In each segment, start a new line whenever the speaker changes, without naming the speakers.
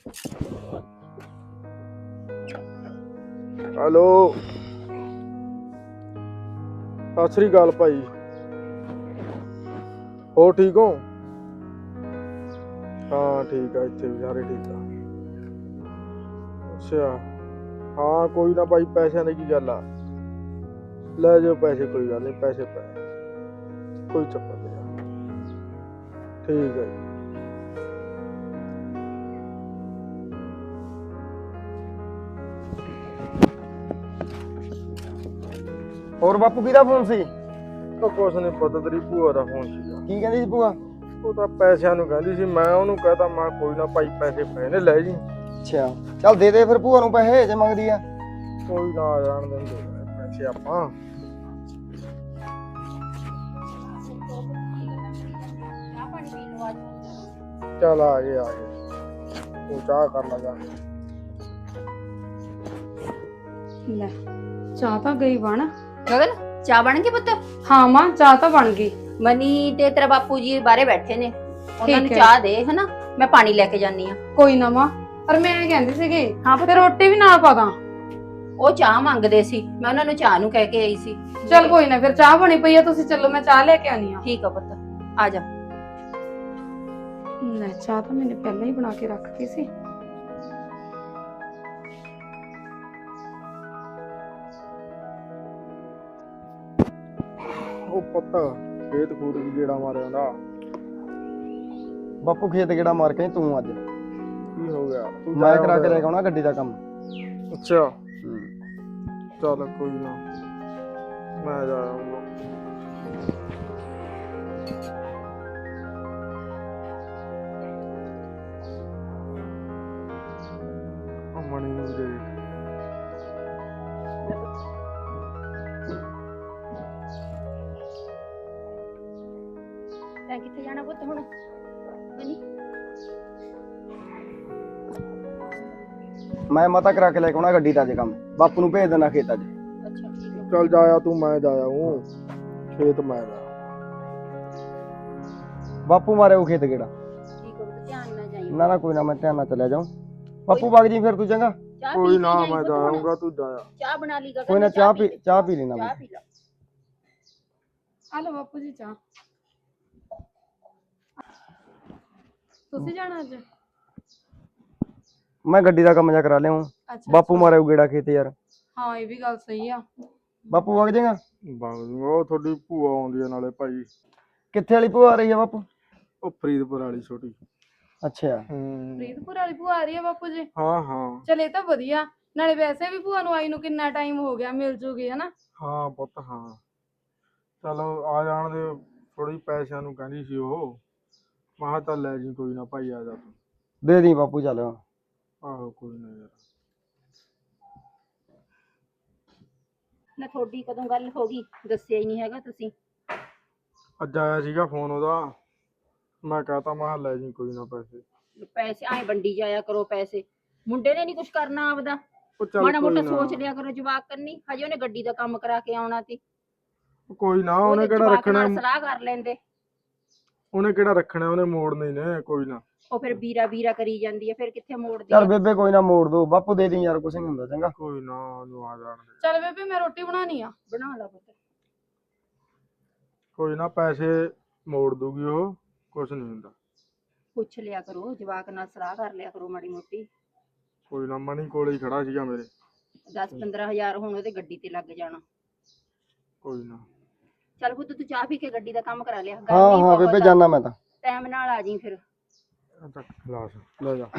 Hello सत श्री अकाल भाई, हो ठीक हो? हाँ ठीक है, इतने भी सारे ठीक है। अच्छा हाँ कोई ना भाई, पैसे की गल आ, ले जाओ पैसे, कोई गल नहीं, पैसे पे कोई चक्कर नहीं है। ठीक है जी।
ਹੋਰ ਬਾਪੂ ਕਿਹਦਾ ਫੋਨ ਸੀ?
तो कुछ नहीं पता, तेरी भूआ का फोन सीगा।
ਕੀ ਕਹਿੰਦੀ ਸੀ ਭੂਆ?
ਉਹ ਤਾਂ ਪੈਸਿਆਂ ਨੂੰ ਕਹਿੰਦੀ ਸੀ, ਮੈਂ ਉਹਨੂੰ ਕਹਤਾ ਮੈਂ ਕੋਈ ਨਾ ਭਾਈ ਪੈਸੇ ਪਏ ਨੇ ਲੈ ਜੀ।
ਅੱਛਾ ਚੱਲ ਦੇ ਦੇ ਫਿਰ ਭੂਆ ਨੂੰ ਪੈਸੇ ਜੇ ਮੰਗਦੀ ਆ।
ਕੋਈ ਨਾ ਆ ਜਾਣ ਦਿੰਦੇ ਪੈਸੇ ਆਪਾਂ। ਚੱਲ ਆ ਗਏ ਤੂੰ ਚਾਹ ਕਰ ਲਾ ਜਾ।
ਲੈ ਚਾਹ ਤਾਂ ਗਈ ਬਣ।
ਗਗਨ ਚਾਹ ਬਣ ਗਈ ਪੁੱਤ?
ਹਾਂ ਮਾਂ ਚਾਹ ਤਾਂ ਬਣ ਗਈ।
ਮਨੀ ਤੇ ਤੇਰਾ ਬਾਪੂ ਜੀ ਬਾਹਰੇ ਬੈਠੇ ਨੇ, ਉਹਨਾਂ ਨੂੰ
ਠੀਕ ਹੈ।
ਚਾਹ ਦੇ ਹਨਾ, ਮੈਂ ਪਾਣੀ ਲੈ ਕੇ ਜਾਨੀ ਆ।
ਕੋਈ ਨਾ ਮਾਂ, ਪਰ ਮੈਂ ਕਹਿੰਦੀ ਸੀਗੀ
ਹਾਂ
ਫਿਰ ਰੋਟੀ ਵੀ ਨਾਲ ਪਾ ਦਾਂ।
ਉਹ ਚਾਹ ਮੰਗਦੇ ਸੀ, ਮੈਂ ਉਹਨਾਂ ਨੂੰ ਚਾਹ ਨੂੰ ਕਹਿ ਕੇ ਆਈ ਸੀ।
ਚੱਲ ਕੋਈ ਨਾ, ਫਿਰ ਚਾਹ ਬਣੀ ਪਈ ਆ, ਤੁਸੀਂ ਚੱਲੋ ਮੈਂ ਚਾਹ ਲੈ ਕੇ ਆਨੀ ਆ।
ਠੀਕ ਆ ਪੁੱਤ, ਆ ਜਾ।
ਲੈ ਚਾਹ ਤਾਂ ਮੈंने ਪਹਿਲਾਂ ਹੀ ਬਣਾ ਕੇ ਰੱਖਤੀ ਸੀ।
ਉਹ ਪੁੱਤ ਖੇਤ ਖੂਦ ਵੀ ਗੇੜਾ ਮਾਰਿਆ ਨਾ।
ਬਾਪੂ ਖੇਤ ਕਿਹੜਾ ਮਾਰ ਕੇ ਤੂੰ ਅੱਜ?
ਕੀ ਹੋ ਗਿਆ? ਤੂੰ
ਮੈਂ ਕਰਾ ਕੇ ਲੈ ਕੇ ਆਉਣਾ ਗੱਡੀ ਦਾ ਕੰਮ।
ਅੱਛਾ ਚੱਲ ਕੋਈ ਨਾ, ਮੈਂ ਜਾ ਆਉਂਗਾ। ਮਣੀ ਨੂੰ ਦੇ
ਤੈਂ ਕਿੱਥੇ ਜਾਣਾ ਪੁੱਤ ਹੁਣ? ਮਨੀ
ਮੈਂ ਮਤਾ ਕਰਾ ਕੇ ਲੈ ਕੇ ਆਉਣਾ ਗੱਡੀ ਦਾ ਜੇ ਕੰਮ। ਬਾਪੂ ਨੂੰ ਭੇਜ ਦੇਣਾ ਖੇਤ ਅੱਜ।
ਅੱਛਾ ਠੀਕ ਆ।
ਚੱਲ ਜਾਇਆ ਤੂੰ, ਮੈਂ ਜਾਇਆ ਹੂੰ ਖੇਤ, ਮੈਂ ਜਾ।
ਬਾਪੂ ਮਾਰੇ ਉਹ ਖੇਤ ਕਿਹੜਾ?
ਠੀਕ ਆ ਪੁੱਤ, ਧਿਆਨ ਨਾਲ ਜਾਈਂ।
ਨਾ ਨਾ ਕੋਈ ਨਾ, ਮੈਂ ਧਿਆਨ ਨਾਲ ਚਲਿਆ ਜਾਊਂ। ਬਾਪੂ ਵਗ ਜੀ ਫਿਰ ਤੂੰ ਚੰਗਾ।
ਚਾਹ
ਕੋਈ
ਪੀ ਕੇ
ਨਾ
ਜਾਈਂ
ਮੈਂ
ਪੁੱਤ ਹੁਣ।
ਜਾਊਂਗਾ, ਤੂੰ ਜਾਇਆ।
ਚਾਹ ਬਣਾ ਲਈ ਗਗਨ
ਕੋਈ ਨਾ
ਨੇ,
ਚਾਹ ਪੀ ਲੈਣਾ
ਚਾਹ
ਮੈਂ।
ਪੀ ਲਾ।
ਆ ਲਓ ਬਾਪੂ ਜੀ ਚਾਹ। ਤੁਸੀਂ ਜਾਣਾ ਅੱਜ?
ਮੈਂ ਗੱਡੀ ਦਾ ਕੰਮ ਜਾ ਕਰਾ ਲਿਆਉਂ।
ਅੱਛਾ
ਬਾਪੂ ਮਾਰੇ ਉਹ ਗੇੜਾ ਖੇਤ ਯਾਰ।
ਹਾਂ ਇਹ ਵੀ ਗੱਲ ਸਹੀ ਆ।
ਬਾਪੂ ਵਗ ਜਾਏਗਾ?
ਉਹ ਤੁਹਾਡੀ ਭੂਆ ਆਉਂਦੀ ਆ ਨਾਲੇ ਭਾਈ।
ਕਿੱਥੇ ਵਾਲੀ ਭੂਆ ਆ ਰਹੀ ਆ ਬਾਪੂ?
ਉਹ ਫਰੀਦਪੁਰ ਵਾਲੀ ਛੋਟੀ।
ਅੱਛਾ
ਫਰੀਦਪੁਰ ਵਾਲੀ ਭੂਆ ਆ ਰਹੀ ਆ ਬਾਪੂ ਜੀ?
ਹਾਂ ਹਾਂ
ਚਲ ਇਹ ਤਾਂ ਵਧੀਆ, ਨਾਲੇ ਵੈਸੇ ਵੀ ਭੂਆ ਨੂੰ ਆਈ ਨੂੰ ਕਿੰਨਾ ਟਾਈਮ ਹੋ ਗਿਆ, ਮਿਲ ਜੂਗੀ ਹਨਾ।
ਹਾਂ ਪੁੱਤ ਹਾਂ। ਚਲੋ ਆ ਜਾਣ ਦੇ, ਥੋੜੀ ਪੈਸਿਆਂ ਨੂੰ ਕਹਿੰਦੀ ਸੀ ਉਹ, ਮੈਂ ਕਿਹਾ ਚੱਲ ਲੈ ਜੀ ਕੋਈ ਨਾ ਭਾਈ, ਆ ਜਾ ਤੂੰ।
ਦੇ ਦੀ ਬਾਪੂ ਚੱਲ।
ਆਹੋ ਕੋਈ ਨਾ ਯਾਰ।
ਨਾ ਤੁਹਾਡੀ ਕਦੋਂ ਗੱਲ ਹੋ ਗਈ, ਦੱਸਿਆ ਹੀ ਨਹੀਂ ਹੈਗਾ ਤੁਸੀਂ।
ਅੱਜ ਆਇਆ ਸੀਗਾ ਫੋਨ ਉਹਦਾ, ਮੈਂ ਕਹਤਾ ਮੈਂ ਕਿਹਾ ਲੈ ਜੀ ਕੋਈ ਨਾ ਪੈਸੇ।
ਪੈਸੇ ਆਏ ਵੰਡੀ ਜਾਇਆ ਕਰੋ ਪੈਸੇ, ਮੁੰਡੇ ਨੇ ਨਹੀਂ ਕੁਝ ਕਰਨਾ ਆਪਦਾ।
ਉਹ ਚੱਲ
ਮਾੜਾ
ਕੋਈ
ਮੋਟਾ
ਨਾ,
ਸੋਚ ਲਿਆ ਕਰੋ, ਜਵਾਕ ਕਰਨੀ ਹਜੇ ਉਹਨੇ ਗੱਡੀ ਦਾ ਕੰਮ ਕਰਾ ਕੇ ਆਉਣਾ ਸੀ।
ਕੋਈ ਨਾ, ਉਹਨੇ ਕਿਹੜਾ
ਜਵਾਕ
ਰੱਖਣਾ,
ਨਾਲ ਸਲਾਹ ਕਰ ਲੈਂਦੇ।
ਉਹਨੇ ਕਿਹੜਾ ਰੱਖਣਾ, ਉਹਨੇ ਮੋੜਨੇ ਹੀ ਨੇ। ਕੋਈ ਨਾ,
ਉਹ ਫਿਰ ਵੀਰਾ ਵੀਰਾ ਕਰੀ ਜਾਂਦੀ ਹੈ, ਫਿਰ ਕਿੱਥੇ ਮੋੜਦੀ
ਚੱਲ
ਹੈ।
ਬੇਬੇ ਕੋਈ ਨਾ ਮੋੜ ਦੋ ਬਾਪੂ, ਦੇ ਦੀ ਯਾਰ, ਕੁਛ ਨਹੀਂ ਹੁੰਦਾ ਚੰਗਾ।
ਕੋਈ ਨਾ ਉਹਨੂੰ ਆ ਜਾਣ ਦੇ।
ਚੱਲ ਬੇਬੇ ਮੈਂ ਰੋਟੀ ਬਣਾਉਣੀ ਆ।
ਬਣਾ ਲਾ ਪੁੱਤ।
ਕੋਈ ਨਾ ਪੈਸੇ ਮੋੜ ਦੂਗੀ ਉਹ, ਕੁਛ ਨਹੀਂ ਹੁੰਦਾ।
ਪੁੱਛ ਲਿਆ ਕਰੋ, ਜਵਾਕ ਨਾਲ ਸਲਾਹ ਕਰ ਲਿਆ ਕਰੋ ਮਾੜੀ ਮੋਟੀ।
ਕੋਈ ਨਾ, ਮਣੀ ਕੋਲੇ ਹੀ ਖੜਾ ਸੀਗਾ ਮੇਰੇ।
10-15 ਹਜ਼ਾਰ ਹੁਣ ਉਹਦੇ ਗੱਡੀ ਤੇ ਲੱਗ ਜਾਣਾ।
ਕੋਈ ਨਾ।
ਚੱਲ ਪੁੱਤ ਤੂੰ ਚਾਹ ਪੀ ਕੇ ਗੱਡੀ ਦਾ ਕੰਮ ਕਰਾ ਲਿਆ।
ਹਾਂ ਹਾਂ ਬੇਬੇ ਜਾਨਾ ਮੈਂ ਤਾਂ।
ਟਾਈਮ ਨਾਲ ਆ ਜੀ ਫਿਰ।
ਚੱਕ ਗਲਾਸ ਲੈ ਜਾ।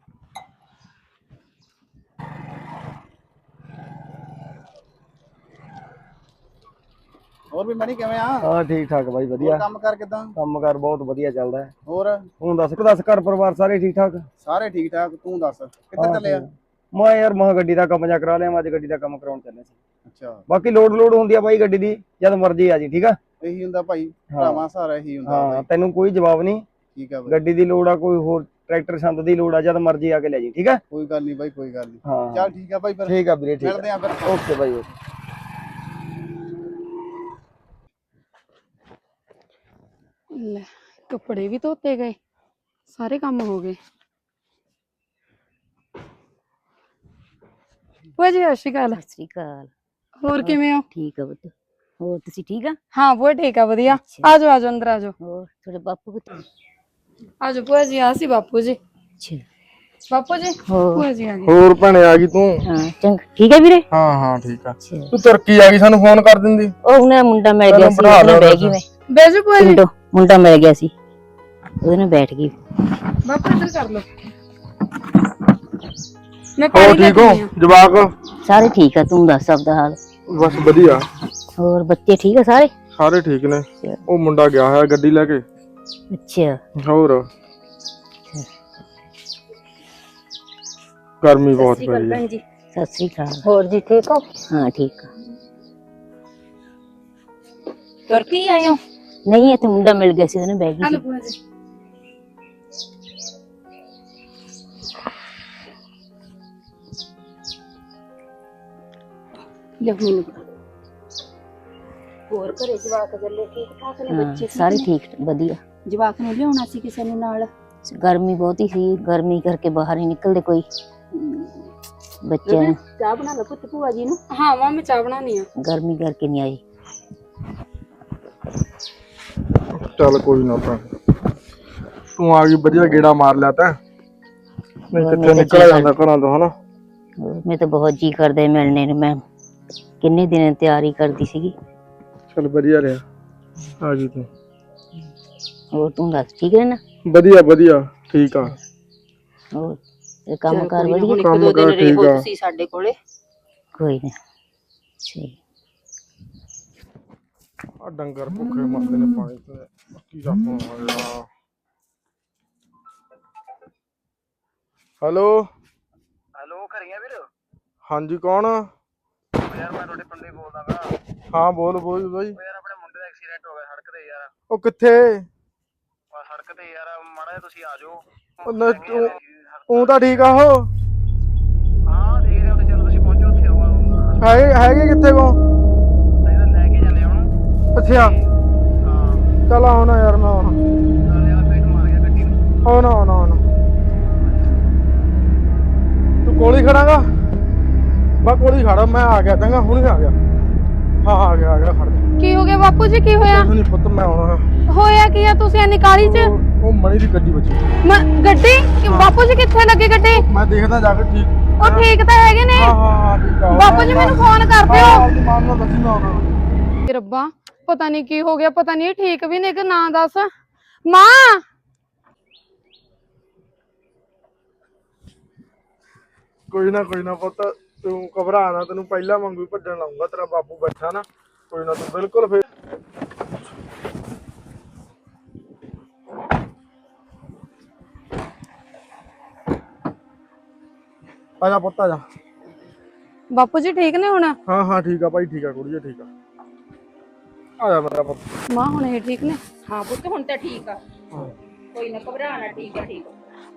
ਹੋਰ ਵੀ ਮਣੀ ਕਿਵੇਂ ਆ?
ਹਾਂ ਠੀਕ ਠਾਕ ਬਾਈ, ਵਧੀਆ।
ਕੰਮ ਕਰ ਕਿਦਾਂ?
ਕੰਮਕਾਰ ਬਹੁਤ ਵਧੀਆ ਚੱਲਦਾ ਹੈ।
ਹੋਰ
ਤੂੰ ਦੱਸ ਘਰ ਪਰਿਵਾਰ ਸਾਰੇ ਠੀਕ ਠਾਕ?
ਸਾਰੇ ਠੀਕ ਠਾਕ, ਤੂੰ ਦੱਸ ਕਿੱਧਰ ਚੱਲਿਆ?
ਮੈਂ ਯਾਰ ਮਹਾ ਗੱਡੀ ਦਾ ਕੰਮ ਜਾ ਕਰਾ ਲਿਆ, ਮੈਂ ਅੱਜ ਗੱਡੀ ਦਾ ਕੰਮ ਕਰਾਉਣ ਚੱਲੇ ਸੀ।
ਅੱਛਾ
ਬਾਕੀ ਲੋਡ ਹੁੰਦੀ ਆ ਬਾਈ ਗੱਡੀ ਦੀ, ਜਦ ਮਰਜ਼ੀ ਆ ਜੀ। ਠੀਕ ਆ,
ਇਹੀ ਹੁੰਦਾ ਭਾਈ, ਭਰਾਵਾਂ ਸਾਰਾ ਇਹੀ ਹੁੰਦਾ
ਹਾਂ
ਬਾਈ।
ਤੈਨੂੰ ਕੋਈ ਜਵਾਬ ਨਹੀਂ।
ਠੀਕ ਆ ਬਾਈ,
ਗੱਡੀ ਦੀ ਲੋੜ ਆ, ਕੋਈ ਹੋਰ ਟਰੈਕਟਰ ਸੰਦ ਦੀ ਲੋੜ ਆ, ਜਦ ਮਰਜ਼ੀ ਆ ਕੇ ਲੈ ਜੀ। ਠੀਕ ਆ,
ਕੋਈ ਗੱਲ ਨਹੀਂ ਬਾਈ, ਕੋਈ ਗੱਲ ਨਹੀਂ।
ਹਾਂ
ਚੱਲ ਠੀਕ ਆ ਬਾਈ, ਫਿਰ
ਠੀਕ ਆ ਵੀਰੇ, ਠੀਕ
ਮਿਲਦੇ
ਆ,
ਆ ਫਿਰ।
Okay bye okay.
ਲੈ ਕੱਪੜੇ ਵੀ ਧੋਤੇ ਗਏ, ਸਾਰੇ ਕੰਮ ਹੋ ਗਏ। ਭੂਆ ਜੀ ਸਤਿ ਸ਼੍ਰੀ ਅਕਾਲ।
ਸਤਿ ਸ੍ਰੀ ਅਕਾਲ।
ਹੋਰ ਕਿਵੇਂ ਹੋ?
ਠੀਕ ਆ ਪੁੱਤ। ਹੋਰ ਤੁਸੀਂ ਠੀਕ ਆ?
ਹਾਂ ਭੂਆ ਠੀਕ ਆ ਵਧੀਆ।
ਅੱਛਾ।
ਆਜੋ ਆਜੋ ਅੰਦਰ ਆਜੋ।
ਹੋਰ ਤੁਹਾਡੇ ਬਾਪੂ ਕਿੱਥੇ?
ਆਜੋ ਭੂਆ ਜੀ ਆ ਸੀ ਬਾਪੂ ਜੀ।
ਅੱਛਾ।
ਬਾਪੂ ਜੀ
ਹੋਰ?
ਭੂਆ ਜੀ ਆ ਗਏ।
ਹੋਰ ਭੈਣੇ ਆ ਗਈ ਤੂੰ?
ਹਾਂ ਚੰਗਾ ਠੀਕ ਹੈ ਵੀਰੇ।
ਹਾਂ ਹਾਂ ਠੀਕ ਆ।
ਅੱਛਾ।
ਤੂੰ ਤੁਰਕੀ ਆ ਗਈ, ਸਾਨੂੰ ਫੋਨ ਕਰ ਦਿੰਦੀ।
ਉਹ ਉਹਨੇ ਮੁੰਡਾ ਮਿਲ ਗਿਆ
ਤੈਨੂੰ
ਸੀ,
ਬਿਠਾ
ਉਹਦੇ ਨਾਲ
ਲਿਆ
ਬਹਿ ਗਈ ਮੈਂ।
ਬੈਜੋ ਭੂਆ ਜੀ।
ਮੁੰਡਾ ਮਿਲ ਗਿਆ ਸੀ, ਉਹਦੇ ਨਾਲ ਬੈਠ ਗਈ।
ਬਾਪੂ ਇੱਧਰ ਕਰ ਲੋ। ਮੈਂ
ਹੋਰ
ਪਾਣੀ ਲੈ
ਠੀਕ
ਕੇ
ਹੋ
ਆਈ ਆ।
ਜਵਾਕ?
ਸਾਰੇ ਠੀਕ ਆ, ਤੂੰ ਦੱਸ ਆਪਦਾ ਹਾਲ?
ਬਸ ਵਧੀਆ।
ਹੋਰ ਬੱਚੇ ਠੀਕ ਆ ਸਾਰੇ?
ਸਾਰੇ ਠੀਕ ਨੇ। ਉਹ ਮੁੰਡਾ ਗਿਆ ਹੋਇਆ ਗੱਡੀ ਲੈ ਕੇ।
ਅੱਛਾ।
ਹੋਰ ਗਰਮੀ ਬਹੁਤ ਪਈ ਹੈ।
ਭੈਣ ਜੀ
ਸਤਿ ਸ੍ਰੀ ਅਕਾਲ।
ਹੋਰ ਜੀ ਠੀਕ ਹੋ?
ਹਾਂ ਠੀਕ ਆ।
ਤੁਰ ਕੇ ਆਏ ਹੋ?
ਨਹੀਂ ਇੱਥੇ ਮੁੰਡਾ ਮਿਲ ਗਿਆ ਸੀ, ਉਹਦੇ ਨਾਲ ਬਹਿ ਗਈ
ਹਲੋ
ਸੀ।
ਭੂਆ ਜੀ।
ਲੈ ਮੈਨੂੰ ਹੋਰ ਘਰੇ ਜਵਾਕ ਜੱਲੇ ਠੀਕ ਠਾਕ ਨੇ?
ਹਾਂ
ਬੱਚੇ
ਸਾਰੇ
ਨੇ?
ਠੀਕ ਵਧੀਆ।
ਜਵਾਕ ਨੂੰ ਲਿਆਉਣਾ ਸੀ ਕਿਸੇ ਨੂੰ ਨਾਲ।
ਗਰਮੀ ਬਹੁਤੀ ਸੀ, ਗਰਮੀ ਕਰਕੇ ਬਾਹਰ ਨਹੀਂ ਨਿਕਲਦੇ ਕੋਈ ਬੱਚਿਆਂ ਨੂੰ।
ਚਾਹ ਬਣਾ ਲਓ ਪੁੱਤ ਭੂਆ ਜੀ ਨੂੰ।
ਹਾਂ ਮਾਂ ਮੈਂ ਚਾਹ ਬਣਾਉਣੀ ਆ।
ਗਰਮੀ ਕਰਕੇ ਨਹੀਂ ਆਈ।
ਚੱਲ ਕੋਈ ਨਾ ਭੈਣ, ਤੂੰ ਆ ਗਈ ਵਧੀਆ, ਗੇੜਾ ਮਾਰ ਲਿਆ ਤੈਂ। ਨਹੀਂ
ਹੋਰ
ਕਿੱਥੇ
ਮੈਂ ਤਾਂ
ਨਿਕਲ ਜਾਂਦਾ ਘਰਾਂ ਤੋਂ ਹਨਾ।
ਮੈਂ ਤਾਂ ਬਹੁਤ ਜੀ ਕਰਦਾ ਮਿਲਣੇ ਨੂੰ, ਮੈਂ ਕਿੰਨੇ ਦਿਨ ਤਿਆਰੀ ਕਰਦੀ ਸੀਗੀ।
ਚੱਲ ਵਧੀਆ ਰਿਹਾ ਆ ਗਈ ਤੂੰ।
ਹੋਰ ਤੂੰ ਦੱਸ ਠੀਕ ਹੈ ਨਾ?
ਵਧੀਆ ਵਧੀਆ ਠੀਕ ਆ।
ਹੋਰ ਇਹ ਕੰਮ ਕਾਰ ਵਧੀਆ?
ਇੱਕ
ਕੰਮ
ਦੋ ਦਿਨ
ਕਾਰ ਠੀਕ
ਰਹੋ
ਆ।
ਤੁਸੀਂ ਸਾਡੇ ਕੋਲੇ।
ਕੋਈ ਨਾ। ਸਹੀ।
ਆ ਡੰਗਰ ਭੁੱਖੇ ਮਰਦੇ ਨੇ ਪਾਣੀ ਤੇ ਕੀ ਦਾ ਫੋਨ ਆਇਆ। ਹੈਲੋ
ਹੈਲੋ ਘਰੀਆਂ ਵੀਰ?
ਹਾਂਜੀ ਕੌਣ?
ਯਾਰ ਮੈਂ ਤੁਹਾਡੇ ਪਿੰਡ ਹੀ ਬੋਲਦਾਗਾ।
ਹਾਂ ਬੋਲ ਬੋਲ ਬਾਈ।
ਯਾਰ ਆਪਣੇ ਮੁੰਡੇ ਦਾ ਐਕਸੀਡੈਂਟ ਹੋ ਗਿਆ ਸੜਕ ਤੇ ਯਾਰ।
ਉਹ ਕਿੱਥੇ?
ਸੜਕ ਤੇ ਯਾਰ ਮਾੜਾ ਜਿਹਾ ਤੁਸੀਂ ਆ ਜਾਓ।
ਉਹ ਤਾਂ ਠੀਕ ਆ ਉਹ।
ਹਾਂ ਦੇਖ ਰਹੇ ਹੋ, ਚਲੋ ਤੁਸੀਂ ਪਹੁੰਚੋ ਉੱਥੇ ਆਓ।
ਹੈਗੇ ਕਿੱਥੇ ਕੋ?
ਲੈ ਕੇ ਜਾਂਦੇ ਹੁਣ।
ਅੱਛਾ
ਹਾਂ
ਚੱਲ ਆਉਣਾ ਯਾਰ ਮੈਂ ਆਉਣਾ।
ਚੱਲ ਯਾਰ ਪੇਟ ਮਾਰ ਗਿਆ ਗੱਡੀ ਨੂੰ।
ਆਉਣਾ ਆਉਣਾ ਆਉਣਾ। ਤੂੰ ਕੋਲ ਹੀ ਖੜਾਂਗਾ? ਮੈਂ ਕੋਲ ਹੀ ਖੜਾ, ਮੈਂ ਆ ਗਿਆ ਚੰਗਾ, ਹੁਣੇ ਆ ਗਿਆ। ਹਾਂ ਆ ਗਿਆ ਖੜ ਜਾ।
ਕੀ ਹੋ ਗਿਆ ਬਾਪੂ ਜੀ? ਕੀ ਹੋਇਆ?
ਕੁਛ ਨੀ ਪੁੱਤ, ਮੈਂ ਆਉਣਾ।
ਹੋਇਆ ਕੀ ਆ? ਤੁਸੀਂ ਇੰਨੀ ਕਾਹਲੀ ਚ?
ਉਹ ਮਣੀ ਦੀ ਗੱਡੀ ਵੱਜੀ।
ਗੱਡੀ? ਬਾਪੂ ਜੀ ਕਿੱਥੇ ਲੱਗੀ ਗੱਡੀ?
ਮੈਂ ਦੇਖਦਾ ਜਾ ਕੇ ਠੀਕ।
ਉਹ ਠੀਕ ਤਾਂ ਹੈਗੇ ਨੇ?
ਹਾਂ ਠੀਕ ਆ।
ਬਾਪੂ ਜੀ ਮੈਨੂੰ ਫੋਨ ਕਰ ਦਿਓ।
ਆਪਣੀ ਮਾਂ ਨੂੰ ਦੱਸੀ ਮੈਂ ਆਉਣਾ।
ਰੱਬਾ ਪਤਾ ਨਹੀਂ ਕੀ ਹੋ ਗਿਆ, ਪਤਾ ਨਹੀਂ ਠੀਕ ਵੀ ਨੇ ਕਿ ਨਾ। ਦੱਸ ਮਾਂ।
ਕੋਈ ਨਾ ਪੁੱਤ, ਤੂੰ ਘਬਰਾ ਨਾ, ਤੈਨੂੰ ਪਹਿਲਾਂ ਵਾਂਗੂ ਭੱਜਣ ਲਾਉਂਗਾ। ਤੇਰਾ ਬਾਪੂ ਬੈਠਾ ਨਾ, ਕੋਈ ਨਾ, ਤੂੰ ਬਿਲਕੁਲ ਫੇਰ ਆ ਜਾ ਪੁੱਤ ਆ ਜਾ।
ਬਾਪੂ ਜੀ ਠੀਕ ਨੇ ਹੁਣ?
ਹਾਂ ਠੀਕ ਆ ਭਾਈ, ਠੀਕ ਆ ਕੁੜੀਏ, ਠੀਕ ਆ। ਆ ਜਾ ਮੇਰਾ ਪੁੱਤ।
ਮਾਂ ਹੁਣ ਇਹ ਠੀਕ ਨੇ?
ਹਾਂ ਪੁੱਤ ਹੁਣ ਤਾਂ ਠੀਕ ਆ, ਕੋਈ ਨਾ ਘਬਰਾਣਾ। ਠੀਕ ਆ ਠੀਕ ਆ।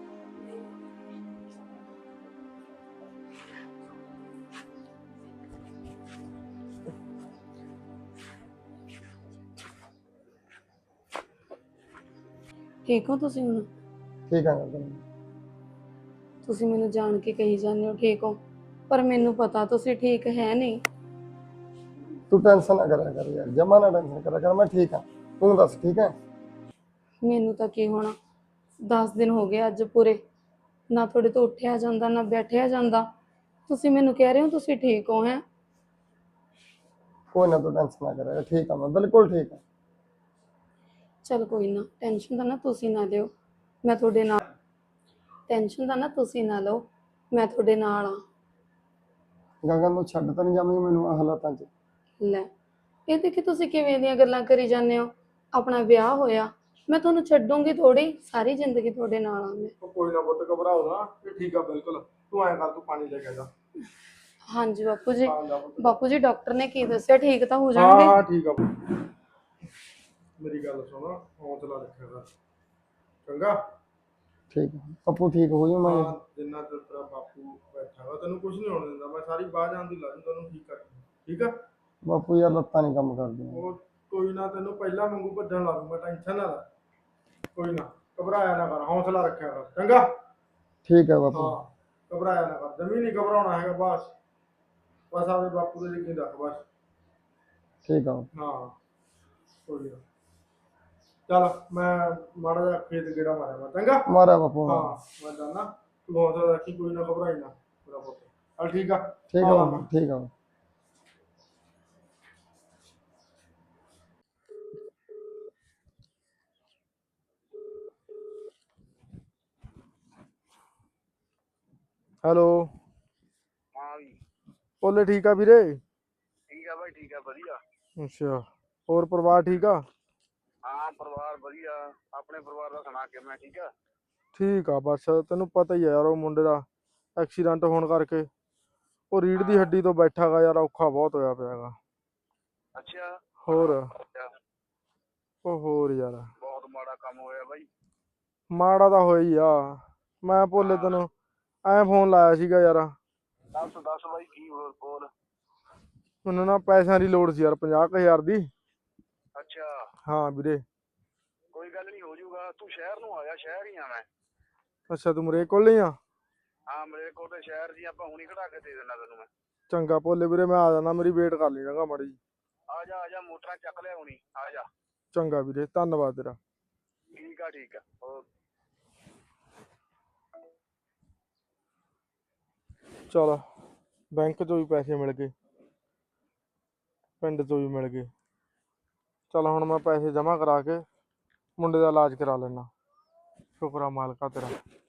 ਠੀਕ ਹੋ ਤੁਸੀਂ ਹੁਣ?
ਠੀਕ ਆ।
ਤੁਸੀਂ ਮੈਨੂੰ ਜਾਣ ਕੇ ਕਹੀ ਜਾਂਦੇ ਹੋ ਠੀਕ ਹੋ, ਪਰ ਮੈਨੂੰ ਪਤਾ ਤੁਸੀਂ ਠੀਕ ਹੈ ਨਹੀਂ।
ਤੂੰ ਟੈਨਸ਼ਨ ਨਾ ਕਰਿਆ ਕਰ ਯਾਰ, ਜਮਾ ਨਾ ਟੈਨਸ਼ਨ ਕਰਿਆ ਕਰ, ਮੈਂ ਠੀਕ ਹਾਂ। ਤੂੰ ਦੱਸ ਠੀਕ ਹੈ?
ਮੈਨੂੰ ਤਾਂ ਕੀ ਹੋਣਾ, 10 ਦਿਨ ਹੋ ਗਏ ਅੱਜ ਪੂਰੇ, ਨਾ ਤੁਹਾਡੇ ਤੋਂ ਉੱਠਿਆ ਜਾਂਦਾ ਨਾ ਬੈਠਿਆ ਜਾਂਦਾ। ਤੁਸੀਂ ਮੈਨੂੰ ਕਹਿ ਰਹੇ ਹੋ ਤੁਸੀਂ ਠੀਕ ਹੋ? ਹੈ
ਕੋਈ ਨਾ, ਤੂੰ ਟੈਨਸ਼ਨ ਨਾ ਕਰਿਆ, ਠੀਕ ਹਾਂ ਮੈਂ, ਬਿਲਕੁਲ ਠੀਕ ਹਾਂ।
ਚਲ ਕੋਈ ਨਾ, ਟੈਨਸ਼ਨ ਤਾਂ ਨਾ ਤੁਸੀਂ ਨਾ ਲਿਓ, ਮੈਂ ਤੁਹਾਡੇ ਨਾਲ। ਟੈਨਸ਼ਨ ਤਾਂ ਨਾ ਤੁਸੀਂ ਨਾ ਲਓ, ਮੈਂ ਤੁਹਾਡੇ ਨਾਲ ਆ।
ਗਗਨ ਨੂੰ ਛੱਡ ਤਾਂ ਨਹੀਂ ਜਾਵਾਂਗੀ ਮੈਨੂੰ ਆਹ ਹਾਲਾਤਾਂ 'ਚ?
ਲੈ ਇਹ ਦੇਖੀ ਤੁਸੀਂ ਕਿਵੇਂ ਦੀਆਂ ਗੱਲਾਂ ਕਰੀ ਜਾਂਦੇ ਹੋ। ਆਪਣਾ ਵਿਆਹ ਹੋਇਆ, ਮੈਂ ਤੁਹਾਨੂੰ ਛੱਡੂੰਗੀ ਥੋੜੀ, ਸਾਰੀ ਜ਼ਿੰਦਗੀ ਤੁਹਾਡੇ ਨਾਲ ਆ ਮੈਂ।
ਕੋਈ ਨਾ ਪੁੱਤ, ਘਬਰਾਓ ਨਾ, ਇਹ ਠੀਕ ਆ ਬਿਲਕੁਲ। ਤੂੰ ਐਂ ਕਰ, ਤੂੰ ਪਾਣੀ ਲੈ ਕੇ ਆ ਜਾ।
ਹਾਂਜੀ ਬਾਪੂ ਜੀ। ਬਾਪੂ ਜੀ ਡਾਕਟਰ ਨੇ ਕੀ ਦੱਸਿਆ, ਠੀਕ ਤਾਂ ਹੋ
ਹਾਂ
ਜਾਣਗੇ?
ਠੀਕ ਆ। ਮੇਰੀ ਗੱਲ ਸੁਣ, ਹੌਸਲਾ ਰੱਖਿਆ ਕਰ ਚੰਗਾ।
ਠੀਕ ਹੈ ਪੱਪੂ, ਠੀਕ ਹੋ ਜਾਊ ਮੈਂ।
ਜਿੰਨਾ ਚਿਰ ਤੇਰਾ ਬਾਪੂ ਬੈਠਾ ਵਾ, ਤੈਨੂੰ ਕੁਝ ਨਹੀਂ ਹੋਣ ਦਿੰਦਾ ਮੈਂ। ਸਾਰੀ ਬਾਹ ਜਾਣ ਦੀ ਲਾ ਦੂੰ ਤੈਨੂੰ, ਠੀਕ ਕਰ। ਠੀਕ ਆ
ਬਾਪੂ ਯਾਰ ਲੱਤਾਂ ਨਹੀਂ ਕੰਮ ਕਰਦੀਆਂ।
ਉਹ ਕੋਈ ਨਾ, ਤੈਨੂੰ ਪਹਿਲਾਂ ਵਾਂਗੂ ਭੱਜਣ ਲਾ ਦੂੰਗਾ, ਟੈਨਸ਼ਨ ਨਾ ਲੈ। ਕੋਈ ਨਾ, ਘਬਰਾਇਆ ਨਾ ਕਰ, ਹੌਸਲਾ ਰੱਖਿਆ ਕਰ ਚੰਗਾ।
ਠੀਕ ਹੈ ਬਾਪੂ।
ਹਾਂ ਘਬਰਾਇਆ ਨਾ ਕਰ, ਜਮੀ ਨਹੀਂ ਘਬਰਾਉਣਾ ਹੈਗਾ ਬਸ। ਬਸ ਆਪਣੇ ਬਾਪੂ ਦੇ ਯਕੀਨ ਰੱਖ ਬਸ।
ਠੀਕ ਆ
ਹਾਂ ਕੋਈ ਨਾ। ਚੱਲ ਮੈਂ ਮਾੜਾ ਜਿਹਾ ਖੇਤ ਗੇੜਾ ਮਾਰਿਆ ਮੈਂ, ਚੰਗਾ।
ਮਾਰਿਆ ਬਾਪੂ
ਹਾਂ ਮੈਂ ਜਾਣਾ, ਤੂੰ ਹੌਸਲਾ ਰੱਖੀ, ਕੋਈ ਨਾ ਘਬਰਾਈ ਨਾ ਮੇਰਾ ਪੁੱਤ। ਚੱਲ ਠੀਕ ਆ।
ਠੀਕ ਆ ਬਾਪੂ ਠੀਕ ਆ।
ਹੈਲੋ।
ਹਾਂ ਵੀ
ਬੋਲੇ ਠੀਕ ਆ ਵੀਰੇ।
ਠੀਕ ਆ ਬਾਈ, ਠੀਕ ਆ, ਵਧੀਆ।
ਅੱਛਾ, ਹੋਰ ਪਰਿਵਾਰ ਠੀਕ ਆ?
ਹਾਂ ਪਰਿਵਾਰ ਵਧੀਆ। ਆਪਣੇ ਪਰਿਵਾਰ ਦਾ ਸੁਣਾ ਕੇ ਮੈਂ ਠੀਕ ਆ।
ਠੀਕ ਆ, ਬਸ ਤੈਨੂੰ ਪਤਾ ਹੀ ਆ ਯਾਰ, ਉਹ ਮੁੰਡੇ ਦਾ ਐਕਸੀਡੈਂਟ ਹੋਣ ਕਰਕੇ ਉਹ ਰੀੜ੍ਹ ਦੀ ਹੱਡੀ ਤੋਂ ਬੈਠਾ ਗਾ ਯਾਰ, ਔਖਾ ਬਹੁਤ ਹੋਇਆ ਪਿਆ ਗਾ।
ਅੱਛਾ।
ਹੋਰ
ਅੱਛਾ,
ਉਹ ਹੋਰ ਯਾਰ
ਬਹੁਤ ਮਾੜਾ ਕੰਮ ਹੋਇਆ ਬਾਈ।
ਮਾੜਾ ਤਾਂ ਹੋਇਆ ਹੀ ਆ। ਮੈਂ ਭੋਲੇ ਤੈਨੂੰ ਐਂ ਫੋਨ ਲਾਇਆ ਸੀਗਾ ਯਾਰ,
ਦੱਸ ਦੱਸ ਬਾਈ, ਕੀ ਹੋਰ ਬੋਲ।
ਮੈਨੂੰ ਨਾ ਪੈਸਿਆਂ ਦੀ ਲੋੜ ਸੀ ਯਾਰ, 50,000 ਦੀ।
ਅੱਛਾ,
ਹਾਂ ਵੀਰੇ।
ਕੋਈ ਗੱਲ ਨਹੀਂ, ਹੋ ਜਾਊਗਾ। ਤੂੰ ਸ਼ਹਿਰ ਨੂੰ ਆਇਆ, ਸ਼ਹਿਰ ਹੀ ਆ ਮੈਂ।
ਅੱਛਾ, ਤੂੰ ਮੇਰੇ ਕੋਲ ਨਹੀਂ ਆ?
ਹਾਂ ਮੇਰੇ ਕੋਲ ਤੇ ਸ਼ਹਿਰ ਜੀ, ਆਪਾਂ ਹੁਣੀ ਕਢਾ ਕੇ ਦੇ ਦੇਣਾ ਤੈਨੂੰ ਮੈਂ।
ਚੰਗਾ ਭੋਲੇ ਵੀਰੇ, ਮੈਂ ਆ ਜਾਣਾ, ਮੇਰੀ ਵੇਟ ਕਰ ਲਈ ਚੰਗਾ ਮਾੜੀ ਜੀ।
ਆ ਜਾ ਮੋਟਰਾਂ ਚੱਕ ਲਿਆ ਹੁਣੀ, ਆ ਜਾ।
ਚੰਗਾ ਵੀਰੇ, ਧੰਨਵਾਦ ਤੇਰਾ।
ਠੀਕ ਆ ਠੀਕ ਆ, ਓਕੇ।
ਚਲ ਬੈਂਕ ਚੋਂ ਵੀ ਪੈਸੇ ਮਿਲ ਗਏ, ਪਿੰਡ ਚੋਂ ਵੀ ਮਿਲ ਗਏ। ਚਲ ਹੁਣ ਮੈਂ ਪੈਸੇ ਜਮ੍ਹਾਂ ਕਰਾ ਕੇ ਮੁੰਡੇ ਦਾ ਇਲਾਜ ਕਰਾ ਲੈਣਾ। ਸ਼ੁਕਰ ਆ ਮਾਲਕਾ ਤੇਰਾ।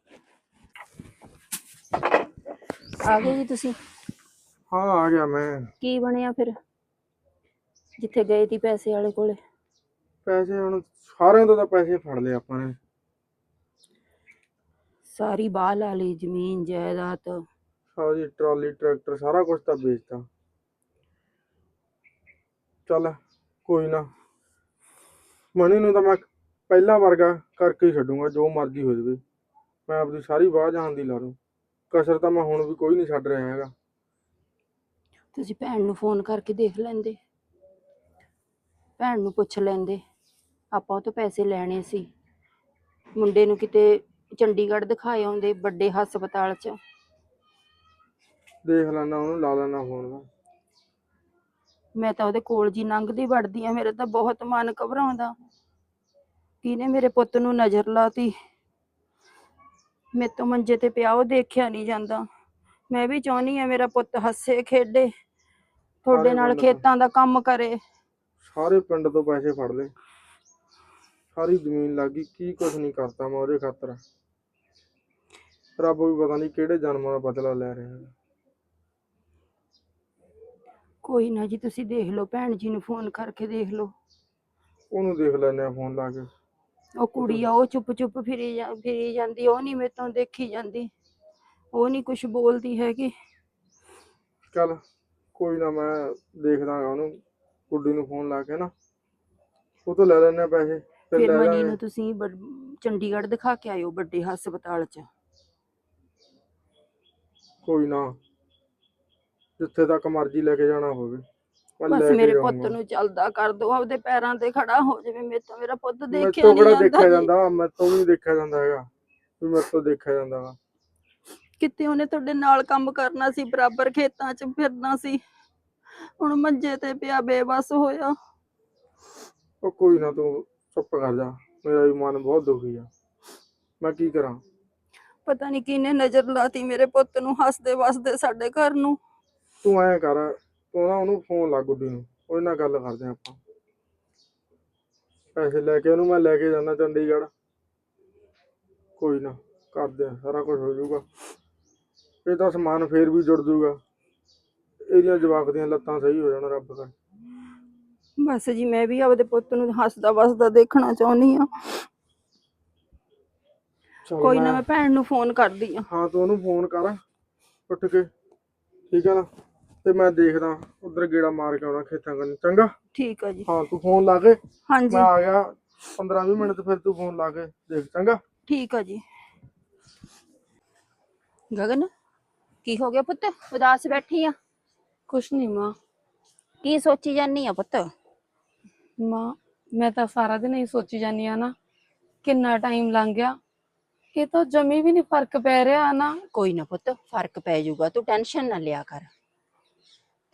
ਆ ਗਏ ਜੀ ਤੁਸੀਂ?
ਹਾਂ ਆ ਗਿਆ ਮੈਂ।
ਕੀ ਬਣਿਆ ਫਿਰ, ਜਿੱਥੇ ਗਏ ਤੀ ਪੈਸੇ ਵਾਲੇ ਕੋਲੇ?
ਪੈਸੇ ਹੁਣ ਸਾਰਿਆਂ ਤੋਂ ਤਾਂ ਪੈਸੇ ਫੜ ਲਏ ਆਪਾਂ ਨੇ।
ਸਾਰੀ ਬਾਹ ਲਾ ਲਈ, ਜ਼ਮੀਨ ਜਾਇਦਾਦ।
ਸਾਰੀ ਟਰਾਲੀ ਟਰੈਕਟਰ ਸਾਰਾ ਕੁਝ ਤਾਂ ਵੇਚਤਾ। ਚੱਲ ਕੋਈ ਨਾ, ਮਣੀ ਨੂੰ ਤਾਂ ਮੈਂ ਪਹਿਲਾਂ ਵਰਗਾ ਕਰਕੇ ਹੀ ਛੱਡੂਗਾ, ਜੋ ਮਰਜ਼ੀ ਹੋ ਜਾਵੇ। ਮੈਂ ਆਪਣੀ ਸਾਰੀ ਬਾਹ ਜਾਣ ਦੀ ਲਾ ਲੂੰ, ਕਸਰ ਤਾਂ ਮੈਂ ਹੁਣ ਵੀ ਕੋਈ ਨਹੀਂ ਛੱਡ ਰਿਹਾ ਹੈਗਾ।
ਤੁਸੀਂ ਭੈਣ ਨੂੰ ਫੋਨ ਕਰਕੇ ਦੇਖ ਲੈਂਦੇ, ਭੈਣ ਨੂੰ ਪੁੱਛ ਲੈਂਦੇ। ਆਪਾਂ ਉਹ ਤੋਂ ਪੈਸੇ ਲੈਣੇ ਸੀ, ਮੁੰਡੇ ਨੂੰ ਕਿਤੇ ਚੰਡੀਗੜ੍ਹ ਦਿਖਾਏ ਆਉਂਦੇ, ਵੱਡੇ ਹਸਪਤਾਲ 'ਚ।
ਦੇਖ ਲੈਣਾ, ਉਹਨੂੰ ਲਾ ਲੈਣਾ ਫੋਨ।
ਮੈਂ ਤਾਂ ਉਹਦੇ ਕੋਲ ਜੀ ਲੰਘਦੀ ਵੜਦੀ ਆ, ਮੇਰੇ ਤਾਂ ਬਹੁਤ ਮਨ ਘਬਰਾਉਂਦਾ। ਕਿਹਨੇ ਮੇਰੇ ਪੁੱਤ ਨੂੰ ਨਜ਼ਰ ਲਾਤੀ, ਮੇਰੇ ਤੋਂ ਮੰਜੇ ਤੇ ਪਿਆ, ਉਹ ਦੇਖਿਆ ਨਹੀਂ ਜਾਂਦਾ। ਮੈਂ ਵੀ ਚਾਹੁੰਦੀ ਆ ਮੇਰਾ ਪੁੱਤ ਹੱਸੇ ਖੇਡੇ, ਤੁਹਾਡੇ ਨਾਲ ਖੇਤਾਂ ਦਾ ਕੰਮ ਕਰੇ।
ਸਾਰੇ ਪਿੰਡ ਤੋਂ ਪੈਸੇ ਫੜ ਲਏ, ਸਾਰੀ ਜ਼ਮੀਨ ਲੱਗ ਗਈ, ਕੀ ਕੁਛ ਨਹੀਂ ਕਰਤਾ ਮੈਂ ਉਹਦੇ ਖਾਤਰ। ਰੱਬ ਵੀ ਪਤਾ ਨਹੀਂ ਕਿਹੜੇ ਜਨਮਾਂ ਦਾ ਬਦਲਾ ਲੈ ਰਿਹਾ।
ਕੋਈ ਨਾ ਜੀ, ਤੁਸੀਂ ਦੇਖ ਲਓ, ਭੈਣ ਜੀ ਨੂੰ ਫੋਨ ਕਰਕੇ ਦੇਖ ਲਓ।
ਉਹਨੂੰ ਦੇਖ ਲੈਂਦੇ ਆ ਫੋਨ ਲਾ ਕੇ।
ਉਹ ਕੁੜੀ ਆ, ਉਹ ਚੁੱਪ ਚੁੱਪ ਫਿਰੀ ਜਾਂਦੀ, ਉਹ ਨਹੀਂ ਮੇਰੇ ਤੋਂ ਦੇਖੀ ਜਾਂਦੀ, ਉਹ ਨਹੀਂ ਕੁਛ ਬੋਲਦੀ ਹੈਗੀ।
ਚੱਲ ਕੋਈ ਨਾ, ਮੈਂ ਦੇਖਦਾ ਉਹਨੂੰ, ਕੁੜੀ ਨੂੰ ਫੋਨ ਲਾ ਕੇ ਨਾ, ਉਹ ਤੋਂ ਲੈ ਲੈਂਦੇ ਆ ਪੈਸੇ।
ਫਿਰ
ਲੈ
ਮਨੀ
ਜਾਵਾਂਗੇ।
ਨੂੰ ਤੁਸੀਂ ਚੰਡੀਗੜ੍ਹ ਦਿਖਾ ਕੇ ਆਇਓ, ਵੱਡੇ ਹਸਪਤਾਲ 'ਚ।
ਕੋਈ ਨਾ, ਜਿੱਥੇ ਤੱਕ ਮਰਜ਼ੀ ਲੈ ਕੇ ਜਾਣਾ ਹੋਵੇ ਮੈਂ
ਬਸ
ਲੈ ਕੇ
ਮੇਰੇ ਪੁੱਤ
ਜਾਊਂਗਾ।
ਨੂੰ ਚੱਲਦਾ ਕਰ ਦੋ, ਆਪਦੇ ਪੈਰਾਂ ਤੇ ਖੜਾ ਹੋ ਜਾਵੇ। ਮੇਰੇ ਤੋਂ ਮੇਰਾ ਪੁੱਤ
ਮੇਰੇ
ਦੇਖਿਆ
ਤੋਂ
ਨਹੀਂ
ਕਿਹੜਾ ਦੇਖਿਆ
ਜਾਂਦਾ ਜੀ।
ਜਾਂਦਾ, ਮੇਰੇ ਤੋਂ ਵੀ ਨੀ ਦੇਖਿਆ ਜਾਂਦਾ ਹੈਗਾ, ਵੀ ਮੇਰੇ ਤੋਂ ਦੇਖਿਆ ਜਾਂਦਾ ਵਾ।
ਕਿਤੇ ਉਹਨੇ ਤੁਹਾਡੇ ਨਾਲ ਕੰਮ ਕਰਨਾ ਸੀ, ਬਰਾਬਰ ਖੇਤਾਂ 'ਚ ਫਿਰਨਾ ਸੀ, ਹੁਣ ਮੰਜੇ ਤੇ ਪਿਆ, ਬੇਬਸ ਹੋਇਆ।
ਉਹ ਕੋਈ ਨਾ, ਤੂੰ ਚੁੱਪ ਕਰ ਜਾ, ਮੇਰਾ ਵੀ ਮਨ ਬਹੁਤ ਦੁਖੀ ਆ, ਮੈਂ ਕੀ ਕਰਾਂ।
ਪਤਾ ਨਹੀਂ ਕਿਹਨੇ ਨਜ਼ਰ ਲਾਤੀ ਮੇਰੇ ਪੁੱਤ ਨੂੰ ਹੱਸਦੇ ਵਸਦੇ ਸਾਡੇ ਘਰ ਨੂੰ।
ਤੂੰ ਐਂ ਕਰ, ਤੂੰ ਨਾ ਉਹਨੂੰ ਫੋਨ ਲਾ, ਗੁੱਡੀ ਨੂੰ, ਉਹਦੇ ਨਾਲ ਗੱਲ ਕਰਦੇ ਆਪਾਂ। ਪੈਸੇ ਲੈ ਕੇ ਉਹਨੂੰ ਮੈਂ ਲੈ ਕੇ ਜਾਣਾ ਚੰਡੀਗੜ੍ਹ। ਕੋਈ ਨਾ, ਕਰਦੇ ਆ, ਸਾਰਾ ਕੁਝ ਹੋ ਜਾਊਗਾ। ਇਹ ਤਾਂ ਸਮਾਨ ਫੇਰ ਵੀ ਜੁੜ ਜੂਗਾ, ਇਹਦੀਆਂ ਜਵਾਕ ਦੀਆਂ ਲੱਤਾਂ ਸਹੀ ਹੋ ਜਾਣ ਰੱਬ ਕਰ।
ਬਸ ਜੀ, ਮੈਂ ਵੀ ਆਪਦੇ ਪੁੱਤ ਨੂੰ ਹੱਸਦਾ ਵਸਦਾ ਦੇਖਣਾ ਚਾਹੁੰਦੀ ਆ।
ਚੱਲ
ਕੋਈ ਨਾ, ਮੈਂ ਭੈਣ ਨੂੰ ਫੋਨ ਕਰਦੀ ਆ।
ਹਾਂ ਤੂੰ ਉਹਨੂੰ ਫੋਨ ਕਰ ਉੱਠ ਕੇ, ਠੀਕ ਆ ਨਾ, ਤੇ ਮੈਂ ਦੇਖਦਾ ਉਧਰ ਗੇੜਾ ਮਾਰ ਕੇ ਆਉਣਾ ਖੇਤਾਂ ਕੰਨੀ, ਚੰਗਾ।
ਠੀਕ ਆ ਜੀ।
ਹਾਂ ਤੂੰ ਫੋਨ ਲਾ ਕੇ,
ਹਾਂਜੀ
ਮੈਂ ਆ ਗਿਆ 15-20 ਮਿੰਟ, ਫਿਰ ਤੂੰ ਫੋਨ ਲਾ ਕੇ ਦੇਖ, ਚੰਗਾ।
ਠੀਕ ਆ ਜੀ। ਗਗਨ, ਕੀ ਹੋ ਗਿਆ ਪੁੱਤ, ਉਦਾਸ ਬੈਠੀ ਆ?
ਕੁਛ ਨਹੀਂ ਮਾਂ।
ਕੀ ਸੋਚੀ ਜਾਨੀ ਆ ਪੁੱਤ?
ਮਾਂ, ਮੈਂ ਤਾਂ ਸਾਰਾ ਦਿਨ ਹੀ ਸੋਚੀ ਜਾਂਦੀ ਆ ਨਾ, ਕਿੰਨਾ ਟਾਈਮ ਲੰਘ ਗਿਆ, ਇਹ ਤਾਂ ਜਮੀ ਵੀ ਨਹੀਂ ਫਰਕ ਪੈ ਰਿਹਾ ਨਾ।
ਕੋਈ ਨਾ ਪੁੱਤ, ਫਰਕ ਪੈ ਜਾਊਗਾ, ਤੂੰ ਟੈਨਸ਼ਨ ਨਾ ਲਿਆ ਕਰ।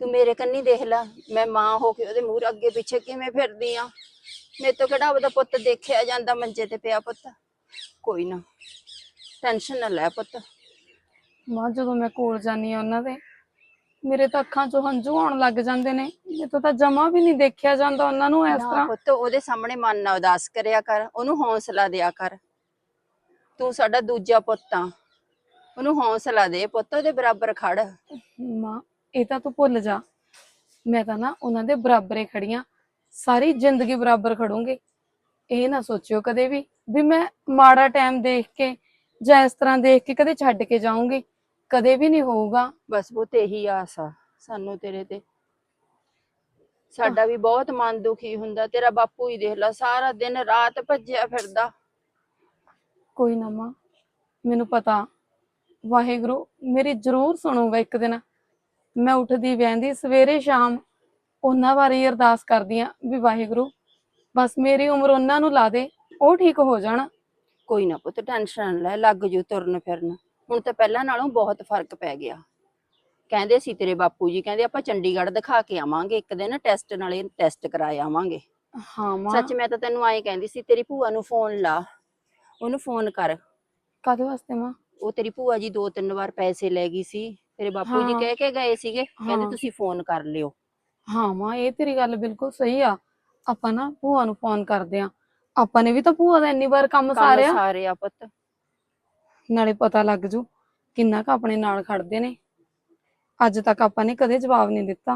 ਤੂੰ ਮੇਰੇ ਕੰਨੀ ਦੇਖ ਲੈ, ਮੈਂ ਮਾਂ ਹੋ ਕੇ ਉਹਦੇ ਮੂਹਰੇ ਅੱਗੇ ਪਿੱਛੇ ਕਿਵੇਂ ਫਿਰਦੀ ਆ। ਮੇਰੇ ਤੋਂ ਕਿਹੜਾ ਉਹਦਾ ਪੁੱਤ ਦੇਖਿਆ ਜਾਂਦਾ ਮੰਜੇ ਤੇ ਪਿਆ ਪੁੱਤ। ਕੋਈ ਨਾ, ਟੈਨਸ਼ਨ ਨਾ ਲੈ ਪੁੱਤ।
ਮਾਂ ਜਦੋਂ ਮੈਂ ਕੋਲ ਜਾਂਦੀ ਆ ਉਹਨਾਂ ਦੇ, ਮੇਰੇ ਤਾਂ ਅੱਖਾਂ 'ਚੋਂ ਹੰਝੂ ਆਉਣ ਲੱਗ ਜਾਂਦੇ ਨੇ। ਮੇਰੇ ਤੋਂ ਤਾਂ ਜਮਾ ਵੀ ਨਹੀਂ ਦੇਖਿਆ ਜਾਂਦਾ ਉਹਨਾਂ ਨੂੰ ਇਸ
ਨਾ
ਤਰ੍ਹਾਂ।
ਪੁੱਤ, ਉਹਦੇ ਸਾਹਮਣੇ ਮਨ ਨਾ ਉਦਾਸ ਕਰਿਆ ਕਰ, ਉਹਨੂੰ ਹੌਸਲਾ ਦਿਆ ਕਰ। ਤੂੰ ਸਾਡਾ ਦੂਜਾ ਪੁੱਤ ਆ, ਉਹਨੂੰ ਹੌਸਲਾ ਦੇ ਪੁੱਤ, ਉਹਦੇ ਬਰਾਬਰ ਖੜ।
ਮਾਂ ਇਹ ਤਾਂ ਤੂੰ ਭੁੱਲ ਜਾ, ਮੈਂ ਤਾਂ ਨਾ ਉਹਨਾਂ ਦੇ ਬਰਾਬਰੇ ਖੜੀਆਂ, ਸਾਰੀ ਜ਼ਿੰਦਗੀ ਬਰਾਬਰ ਖੜੂੰਗੀ। ਇਹ ਨਾ ਸੋਚਿਓ ਕਦੇ ਵੀ ਮੈਂ ਮਾੜਾ ਟਾਈਮ ਦੇਖ ਕੇ ਜਾਂ ਇਸ ਤਰ੍ਹਾਂ ਦੇਖ ਕੇ ਕਦੇ ਛੱਡ ਕੇ ਜਾਊਂਗੀ, ਕਦੇ ਵੀ ਨਹੀਂ ਹੋਊਗਾ।
ਬਸ ਪੁੱਤ ਇਹੀ ਆਸ ਆ ਸਾਨੂੰ ਤੇਰੇ ਤੇ। ਸਾਡਾ ਵੀ ਬਹੁਤ ਮਨ ਦੁਖੀ ਹੁੰਦਾ, ਤੇਰਾ ਬਾਪੂ ਹੀ ਦੇਖ ਲਾ ਸਾਰਾ ਦਿਨ ਰਾਤ ਭੱਜਿਆ ਫਿਰਦਾ।
ਕੋਈ ਨਾ ਮਾਂ, ਮੈਨੂੰ ਪਤਾ ਵਾਹਿਗੁਰੂ ਮੇਰੀ ਜ਼ਰੂਰ ਸੁਣੂਗਾ ਇੱਕ ਦਿਨ। ਮੈਂ ਉੱਠਦੀ ਬਹਿੰਦੀ ਸਵੇਰੇ ਸ਼ਾਮ ਉਹਨਾਂ ਬਾਰੇ ਹੀ ਅਰਦਾਸ ਕਰਦੀ ਆ ਵੀ ਵਾਹਿਗੁਰੂ ਬਸ ਮੇਰੀ ਉਮਰ ਉਹਨਾਂ ਨੂੰ ਲਾ ਦੇ, ਉਹ ਠੀਕ ਹੋ ਜਾਣ।
ਕੋਈ ਨਾ ਪੁੱਤ, ਟੈਨਸ਼ਨ ਲੈ, ਲੱਗ ਜੂ ਤੁਰਨ ਫਿਰਨ। ਹੁਣ ਤਾਂ ਪਹਿਲਾਂ ਨਾਲੋਂ ਬਹੁਤ ਫਰਕ ਪੈ ਗਿਆ। ਕਹਿੰਦੇ ਸੀ ਤੇਰੇ ਬਾਪੂ ਜੀ, ਕਹਿੰਦੇ ਆਪਾਂ ਚੰਡੀਗੜ੍ਹ ਦਿਖਾ ਕੇ ਆਵਾਂਗੇ ਇੱਕ ਦਿਨ, ਟੈਸਟ ਨਾਲੇ ਟੈਸਟ ਕਰਾਏ ਆਵਾਂਗੇ।
ਹਾਂ ਮਾਂ।
ਸੱਚ ਮੈਂ ਤਾਂ ਤੈਨੂੰ ਆਏ ਕਹਿੰਦੀ ਸੀ, ਤੇਰੀ ਭੂਆ ਨੂੰ ਫੋਨ ਲਾ, ਉਹਨੂੰ ਫੋਨ ਕਰ।
ਕਾਹਦੇ ਵਾਸਤੇ ਮਾਂ?
ਉਹ ਤੇਰੀ ਭੂਆ ਜੀ 2-3 ਵਾਰ ਪੈਸੇ ਲੈ ਗਈ ਸੀ, ਤੇਰੇ ਬਾਪੂ ਜੀ
ਹਾਂ।
ਕਹਿ ਕੇ ਗਏ ਸੀਗੇ, ਕਹਿੰਦੇ
ਹਾਂ।
ਤੁਸੀਂ ਫੋਨ ਕਰ ਲਿਓ।
ਹਾਂ ਮਾਂ, ਇਹ ਤੇਰੀ ਗੱਲ ਬਿਲਕੁਲ ਸਹੀ ਆ। ਆਪਾਂ ਨਾ ਭੂਆ ਨੂੰ ਫੋਨ ਕਰਦੇ ਆ, ਆਪਾਂ ਨੇ ਵੀ ਤਾਂ ਭੂਆ ਦਾ ਇੰਨੀ ਵਾਰ ਕੰਮ ਸਾਰਿਆ।
ਸਾਰੇ ਆ ਪੁੱਤ।
ਨਾਲੇ ਪਤਾ ਲੱਗ ਜੂ ਕਿੰਨਾ ਕੁ ਆਪਣੇ ਨਾਲ ਖੜਦੇ ਨੇ। ਅੱਜ ਤੱਕ ਆਪਾਂ ਨੇ ਕਦੇ ਜਵਾਬ ਨਹੀਂ ਦਿੱਤਾ।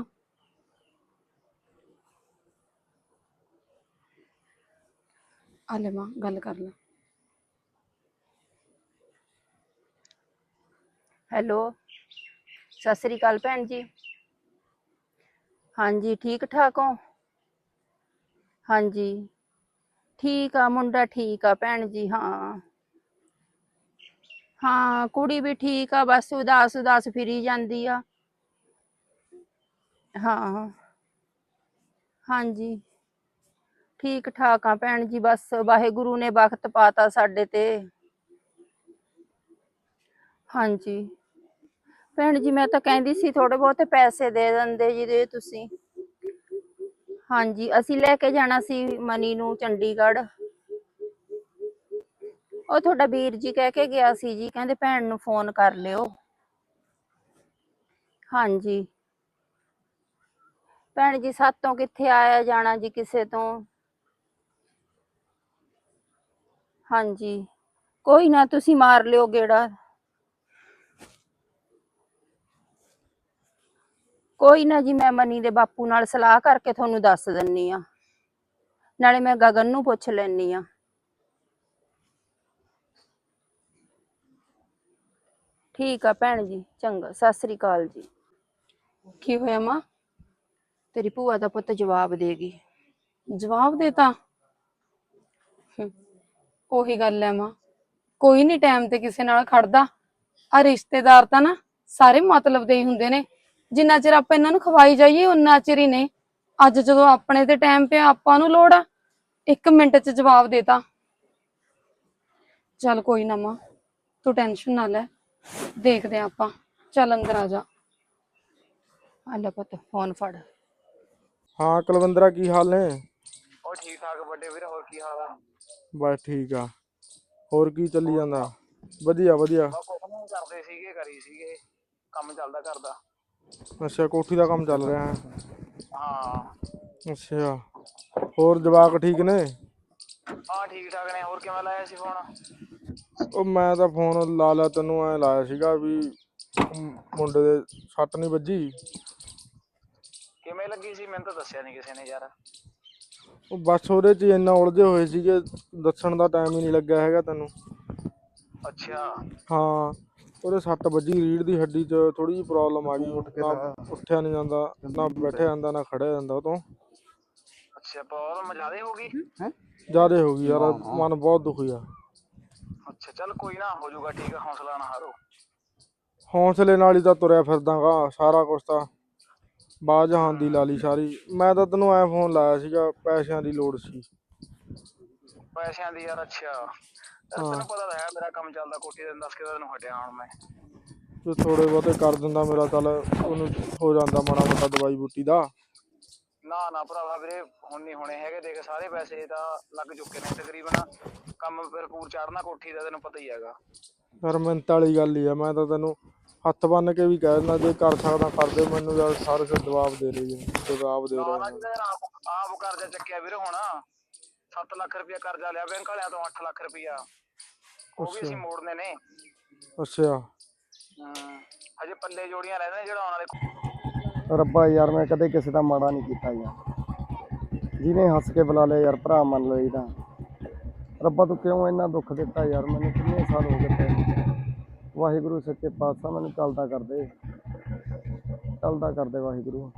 ਆ ਲੈ ਮਾਂ, ਗੱਲ ਕਰ ਲੈ।
ਹੈਲੋ, ਸਤਿ ਸ੍ਰੀ ਅਕਾਲ ਭੈਣ ਜੀ। ਹਾਂਜੀ ਠੀਕ ਠਾਕ ਹੋ? ਹਾਂਜੀ ਠੀਕ ਆ, ਮੁੰਡਾ ਠੀਕ ਆ ਭੈਣ ਜੀ। ਹਾਂ ਹਾਂ, ਕੁੜੀ ਵੀ ਠੀਕ ਆ, ਬਸ ਉਦਾਸ ਉਦਾਸ ਫਿਰੀ ਜਾਂਦੀ ਆ। ਹਾਂ ਹਾਂਜੀ ਠੀਕ ਠਾਕ ਆ ਭੈਣ ਜੀ, ਬਸ ਵਾਹਿਗੁਰੂ ਨੇ ਵਕਤ ਪਾਤਾ ਸਾਡੇ ਤੇ। ਹਾਂਜੀ ਭੈਣ ਜੀ, ਮੈਂ ਤਾਂ ਕਹਿੰਦੀ ਸੀ ਥੋੜੇ ਬਹੁਤੇ ਪੈਸੇ ਦੇ ਦਿੰਦੇ ਜੀ, ਦੇ ਤੁਸੀਂ। ਹਾਂਜੀ, ਅਸੀਂ ਲੈ ਕੇ ਜਾਣਾ ਸੀ ਮਨੀ ਨੂੰ ਚੰਡੀਗੜ੍ਹ। ਉਹ ਤੁਹਾਡਾ ਵੀਰ ਜੀ ਕਹਿ ਕੇ ਗਿਆ ਸੀ ਜੀ, ਕਹਿੰਦੇ ਭੈਣ ਨੂੰ ਫੋਨ ਕਰ ਲਿਓ। ਹਾਂਜੀ ਭੈਣ ਜੀ, ਸਾਤੋਂ ਕਿੱਥੇ ਆਇਆ ਜਾਣਾ ਜੀ ਕਿਸੇ ਤੋਂ। ਹਾਂਜੀ ਕੋਈ ਨਾ, ਤੁਸੀਂ ਮਾਰ ਲਿਓ ਗੇੜਾ। ਕੋਈ ਨਾ ਜੀ, ਮੈਂ ਮਨੀ ਦੇ ਬਾਪੂ ਨਾਲ ਸਲਾਹ ਕਰਕੇ ਤੁਹਾਨੂੰ ਦੱਸ ਦਿੰਨੀ ਆ, ਨਾਲੇ ਮੈਂ ਗਗਨ ਨੂੰ ਪੁੱਛ ਲੈਣੀ ਆ। ਠੀਕ ਆ ਭੈਣ ਜੀ, ਚੰਗਾ, ਸਤਿ ਸ੍ਰੀ ਅਕਾਲ ਜੀ।
ਕੀ ਹੋਇਆ ਮਾਂ?
ਤੇਰੀ ਭੂਆ ਦਾ ਪੁੱਤ ਜਵਾਬ ਦੇਗੀ।
ਜਵਾਬ ਦੇਤਾ? ਉਹੀ ਗੱਲ ਹੈ ਮਾਂ, ਕੋਈ ਨਹੀਂ ਟਾਈਮ ਤੇ ਕਿਸੇ ਨਾਲ ਖੜਦਾ। ਆ ਰਿਸ਼ਤੇਦਾਰ ਤਾਂ ਨਾ ਸਾਰੇ ਮਤਲਬ ਦੇ ਹੀ ਹੁੰਦੇ ਨੇ, ਜਿੰਨਾ ਚਿਰ ਆਪਾਂ ਇਹਨਾਂ ਨੂੰ ਖਵਾਈ ਜਾਈਏ ਉਨਾ ਚਿਰ ਹੀ ਨੇ। ਅੱਜ ਜਦੋਂ ਆਪਣੇ ਤੇ ਟਾਈਮ ਪਿਆ, ਆਪਾਂ ਨੂੰ ਲੋੜ ਆ, 1 ਮਿੰਟ 'ਚ ਜਵਾਬ ਦੇਤਾ। ਚੱਲ ਕੋਈ ਨਾ ਮਾਂ, ਤੂੰ ਟੈਨਸ਼ਨ ਨਾ ਲੈ, ਦੇਖਦੇ ਆਪਾਂ। ਚੱਲ ਅੰਦਰ ਆ ਜਾ।
ਆ ਲੈ ਪੁੱਤ ਫੋਨ ਫੜ।
ਹਾਂ ਕੁਲਵਿੰਦਰਾ, ਕੀ ਹਾਲ ਨੇ?
ਉਹ ਠੀਕ ਠਾਕ ਵੱਡੇ ਵੀਰ, ਹੋਰ ਕੀ ਹਾਲ ਆ?
ਬਸ ਠੀਕ ਆ। ਹੋਰ ਕੀ ਚੱਲੀ ਜਾਂਦਾ? ਵਧੀਆ ਵਧੀਆ।
ਕੁਝ ਕਰਦੇ ਸੀਗੇ, ਕਰੀ ਸੀਗੇ, ਕੰਮ ਚੱਲਦਾ ਕਰਦਾ।
ਅੱਛਾ, ਕੋਠੀ ਦਾ ਕੰਮ ਚੱਲ ਰਿਹਾ ਹੈ?
ਹਾਂ
ਅੱਛਾ, ਹੋਰ ਜਵਾਕ ਠੀਕ ਨੇ?
ਹਾਂ ਠੀਕ ਠਾਕ ਨੇ। ਹੋਰ ਕਿਵੇਂ ਲਾਇਆ ਸੀ ਫੋਨ?
ਉਹ ਮੈਂ ਤਾਂ ਫੋਨ ਲਾ ਲਿਆ, ਤੈਨੂੰ ਐ ਲਾਇਆ ਸੀਗਾ ਵੀ ਮੁੰਡੇ ਦੇ ਸੱਟ ਨਹੀਂ ਵੱਜੀ?
ਕਿਵੇਂ ਲੱਗੀ ਸੀ? ਮੈਨੂੰ ਤਾਂ ਦੱਸਿਆ ਨਹੀਂ ਕਿਸੇ ਨੇ ਯਾਰ।
ਉਹ ਬਸ ਉਹਦੇ 'ਚ ਇੰਨਾ ਉਲਝੇ ਹੋਏ ਸੀਗੇ, ਦੱਸਣ ਦਾ ਟਾਈਮ ਹੀ ਨਹੀਂ ਲੱਗਿਆ ਹੈਗਾ ਤੈਨੂੰ।
ਅੱਛਾ
ਹਾਂ, ਉਹਦੇ ਸੱਟ ਵੱਜੀ ਰੀੜ੍ਹ ਦੀ ਹੱਡੀ 'ਚ, ਥੋੜੀ ਜਿਹੀ ਪ੍ਰੋਬਲਮ ਆ ਗਈ। ਨਾ ਉੱਠਿਆ ਨਹੀਂ ਜਾਂਦਾ, ਨਾ ਬੈਠਿਆ ਜਾਂਦਾ, ਨਾ ਖੜਿਆ ਜਾਂਦਾ ਉਹ ਤੋਂ।
ਅੱਛਾ, ਪ੍ਰੋਬਲਮ ਜ਼ਿਆਦਾ ਹੋ ਗਈ?
ਜ਼ਿਆਦਾ ਹੋ ਗਈ ਯਾਰ, ਮਨ ਬਹੁਤ ਦੁਖੀ ਆ।
ਅੱਛਾ ਚੱਲ ਕੋਈ ਨਾ, ਹੋ ਜਾਊਗਾ ਠੀਕ ਆ, ਹੌਸਲਾ ਨਾ ਹਾਰੋ।
ਹੌਂਸਲੇ ਨਾਲ ਹੀ ਤਾਂ ਤੁਰਿਆ ਫਿਰਦਾਗਾ, ਸਾਰਾ ਕੁਛ ਤਾਂ ਬਾਹ ਜਹਾਨ ਦੀ ਲਾ ਲਈ ਸਾਰੀ। ਮੈਂ ਤਾਂ ਤੈਨੂੰ ਐ ਫੋਨ ਲਾਇਆ ਸੀਗਾ, ਪੈਸਿਆਂ ਦੀ ਲੋੜ ਸੀ।
ਪੈਸਿਆਂ ਦੀ ਯਾਰ? ਅੱਛਾ, ਤੈਨੂੰ ਪਤਾ ਤਾਂ ਹੈ ਮੇਰਾ ਕੰਮ ਚੱਲਦਾ ਕੋਠੀ ਦਾ, 10 ਕੁ ਦਿਨ ਹਟਿਆ ਹੁਣ ਮੈਂ।
ਜੇ ਥੋੜੇ ਬਹੁਤੇ ਕਰ ਦਿੰਦਾ ਮੇਰਾ, ਚੱਲ ਉਹਨੂੰ ਹੋ ਜਾਂਦਾ ਮਾੜਾ ਮੋਟਾ ਦਵਾਈ ਬੂਟੀ ਦਾ।
ਨਾ ਭਰਾਵਾ ਵੀਰੇ ਹੁਣ ਨਹੀਂ ਹੋਣੇ ਹੈਗੇ, ਦੇਖ ਸਾਰੇ ਪੈਸੇ ਤਾਂ ਲੱਗ ਚੁੱਕੇ ਨੇ ਤਕਰੀਬਨ, ਕੰਮ ਭਰਪੂਰ ਚੜਨਾ ਕੋਠੀ ਦਾ ਤੈਨੂੰ ਪਤਾ ਹੀ ਹੈਗਾ।
ਯਾਰ ਮਿੰਟ ਵਾਲੀ ਗੱਲ ਹੀ ਆ, ਮੈਂ ਤਾਂ ਤੈਨੂੰ ਹੱਥ ਬੰਨ ਕੇ ਵੀ ਕਹਿ ਦਿੰਦਾ ਜੇ ਕਰ ਸਕਦਾ ਕਰ ਦੇ, ਮੈਨੂੰ ਯਾਰ ਸਾਰੇ ਸਿਰ ਜਵਾਬ ਦੇ ਰਹੇ ਨੇ, ਜਵਾਬ ਦੇ ਰਹੇ ਨੇ।
ਆਪ ਕਰਜ਼ਾ ਚੱਕਿਆ ਵੀਰੇ, ਹੁਣ 7 ਲੱਖ ਰੁਪਇਆ ਕਰਜ਼ਾ ਲਿਆ ਬੈਂਕ ਵਾਲਿਆਂ ਤੋਂ, 8 ਲੱਖ ਰੁਪਇਆ ਉਹ ਵੀ ਅਸੀਂ ਮੋੜਨੇ ਨੇ।
ਅੱਛਾ
ਹਜੇ ਪੱਲੇ ਜੋੜੀਆਂ ਰਹਿੰਦੇ ਨੇ ਜਿਹੜਾ ਆਉਣ ਵਾਲੇ।
ਰੱਬਾ ਯਾਰ ਮੈਂ ਕਦੇ ਕਿਸੇ ਦਾ ਮਾੜਾ ਨਹੀਂ ਕੀਤਾ ਯਾਰ, ਜਿਹਨੇ ਹੱਸ ਕੇ ਬੁਲਾ ਲਿਆ ਯਾਰ ਭਰਾ ਮੰਨ ਲਓ ਇਹਦਾ। ਰੱਬਾ ਤੂੰ ਕਿਉਂ ਇੰਨਾ ਦੁੱਖ ਦਿੱਤਾ ਯਾਰ ਮੈਨੂੰ, ਕਿੰਨੇ ਸਾਲ ਹੋ ਗਏ ਪਏ। ਵਾਹਿਗੁਰੂ ਸੱਚੇ ਪਾਤਸ਼ਾਹ ਮੈਨੂੰ ਚੱਲਦਾ ਕਰਦੇ ਵਾਹਿਗੁਰੂ।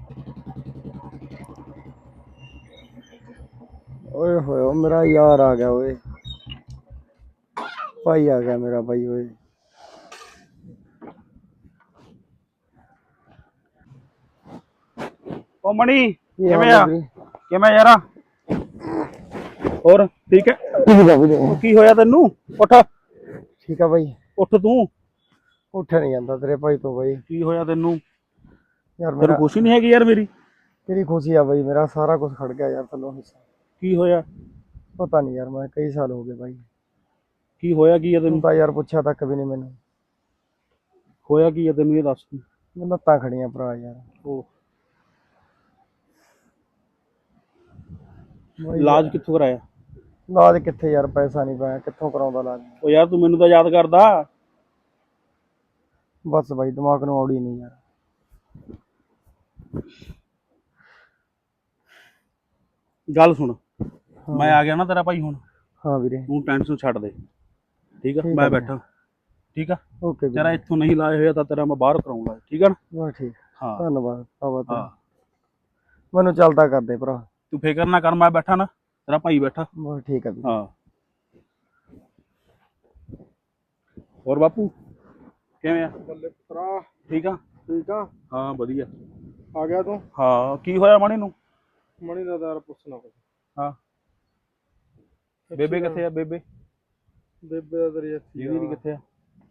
ਓਏ ਹੋਏ ਮੇਰਾ ਯਾਰ ਆ ਗਿਆ, ਓਏ ਭਾਈ ਆ ਗਿਆ ਮੇਰਾ ਭਾਈ ਓਏ।
ਉਹ ਮਣੀ
ਕੀ
ਕਿਵੇਂ
ਹਾਲ
ਆ?
ਹੈ ਵੀਰੇ?
ਕਿਵੇਂ ਯਾਰਾ? ਹੋਰ ਠੀਕ ਹੈ?
ਠੀਕ ਆ ਵੀਰੇ।
ਉਹ ਕੀ ਹੋਇਆ ਤੈਨੂੰ? ਉੱਠ
ਠੀਕ ਆ ਬਾਈ।
ਉੱਠ ਤੂੰ।
ਉੱਠਿਆ ਨਹੀਂ ਜਾਂਦਾ ਤੇਰੇ ਭਾਈ ਤੋਂ ਬਾਈ।
ਕੀ ਹੋਇਆ ਤੈਨੂੰ?
ਯਾਰ
ਤੈਨੂੰ
ਮੇਰਾ
ਖੁਸ਼ੀ ਨਹੀਂ ਹੈਗੀ ਯਾਰ ਮੇਰੀ?
ਤੇਰੀ ਖੁਸ਼ੀ ਆ ਬਾਈ, ਮੇਰਾ ਸਾਰਾ ਕੁਝ ਖੜ ਗਿਆ ਯਾਰ ਥੱਲੋਂ ਹਿੱਸਾ।
ਕੀ ਹੋਇਆ?
ਪਤਾ ਨਹੀਂ ਯਾਰ, ਮੈਂ ਕਈ ਸਾਲ ਹੋ ਗਏ ਬਾਈ।
ਕੀ ਹੋਇਆ ਕੀ ਆ
ਤੂੰ
ਤੈਨੂੰ?
ਤਾਂ ਯਾਰ ਪੁੱਛਿਆ ਤੱਕ ਵੀ ਨਹੀਂ ਮੈਨੂੰ।
ਹੋਇਆ ਕੀ ਆ ਤੈਨੂੰ ਇਹ ਦੱਸ।
ਮੈਨੂੰ ਲੱਤਾਂ ਖੜੀਆਂ ਭਰਾ ਯਾਰ।
ਉਹ
ਬਾਈ
ਇਲਾਜ ਕਿੱਥੋਂ ਕਰਾਇਆ?
ਇਲਾਜ ਕਿੱਥੇ ਯਾਰ, ਪੈਸਾ ਨਹੀਂ ਪਾਇਆ, ਕਿੱਥੋਂ ਕਰਾਉਂਦਾ ਇਲਾਜ।
ਉਹ ਯਾਰ ਤੂੰ ਮੈਨੂੰ ਤਾਂ ਯਾਦ ਕਰਦਾ।
ਬਸ ਬਾਈ ਦਿਮਾਗ ਨੂੰ ਔੜੀ ਨਹੀਂ ਯਾਰ।
ਗੱਲ ਸੁਣ, ਮੈਂ ਆ ਗਿਆ ਨਾ ਤੇਰਾ ਭਾਈ ਹੁਣ,
ਹਾਂ ਵੀਰੇ।
ਤੂੰ ਟੈਨਸ਼ਨ ਛੱਡ ਦੇ, ਠੀਕ ਆ?
ਠੀਕ ਆ
ਮੈਂ
ਵੀਰੇ।
ਬੈਠਾ, ਠੀਕ ਆ?
ਓਕੇ
ਤੇਰਾ
ਵੀਰੇ,
ਇੱਥੋਂ ਨਹੀਂ ਇਲਾਜ ਹੋਇਆ ਤਾਂ ਤੇਰਾ ਮੈਂ ਬਾਹਰ ਕਰਾਉਂਗਾ, ਠੀਕ ਆ ਨਾ?
ਬਸ ਠੀਕ।
ਹਾਂ
ਧੰਨਵਾਦ ਬਾਬਾ
ਹਾਂ,
ਤੇਰਾ। ਮੈਨੂੰ ਚੱਲਦਾ ਕਰਦੇ ਭਰਾ।
ਤੂੰ ਫਿਕਰ ਨਾ ਕਰ, ਮੈਂ ਬੈਠਾ ਨਾ, ਤੇਰਾ ਭਾਈ ਬੈਠਾ।
ਬਸ ਠੀਕ ਆ ਵੀਰੇ।
ਹਾਂ ਹੋਰ ਬਾਪੂ ਕਿਵੇਂ ਆ?
ਬੱਲੇ ਭਰਾ
ਠੀਕ ਆ?
ਠੀਕ ਆ।
ਹਾਂ ਵਧੀਆ।
ਆ ਗਿਆ ਤੂੰ?
ਹਾਂ ਕੀ ਹੋਇਆ ਮਣੀ ਨੂੰ?
ਮਣੀ ਦਾ ਯਾਰ ਪੁੱਛਣਾ ਕੁਛ।
ਹਾਂ ਬੇਬੇ ਕਿੱਥੇ ਆ? ਬੇਬੇ
ਬੇਬੇ ਦਾ ਤੇਰੀ ਇੱਥੇ
ਦੀਦੀ ਦੀ ਕਿੱਥੇ ਆ?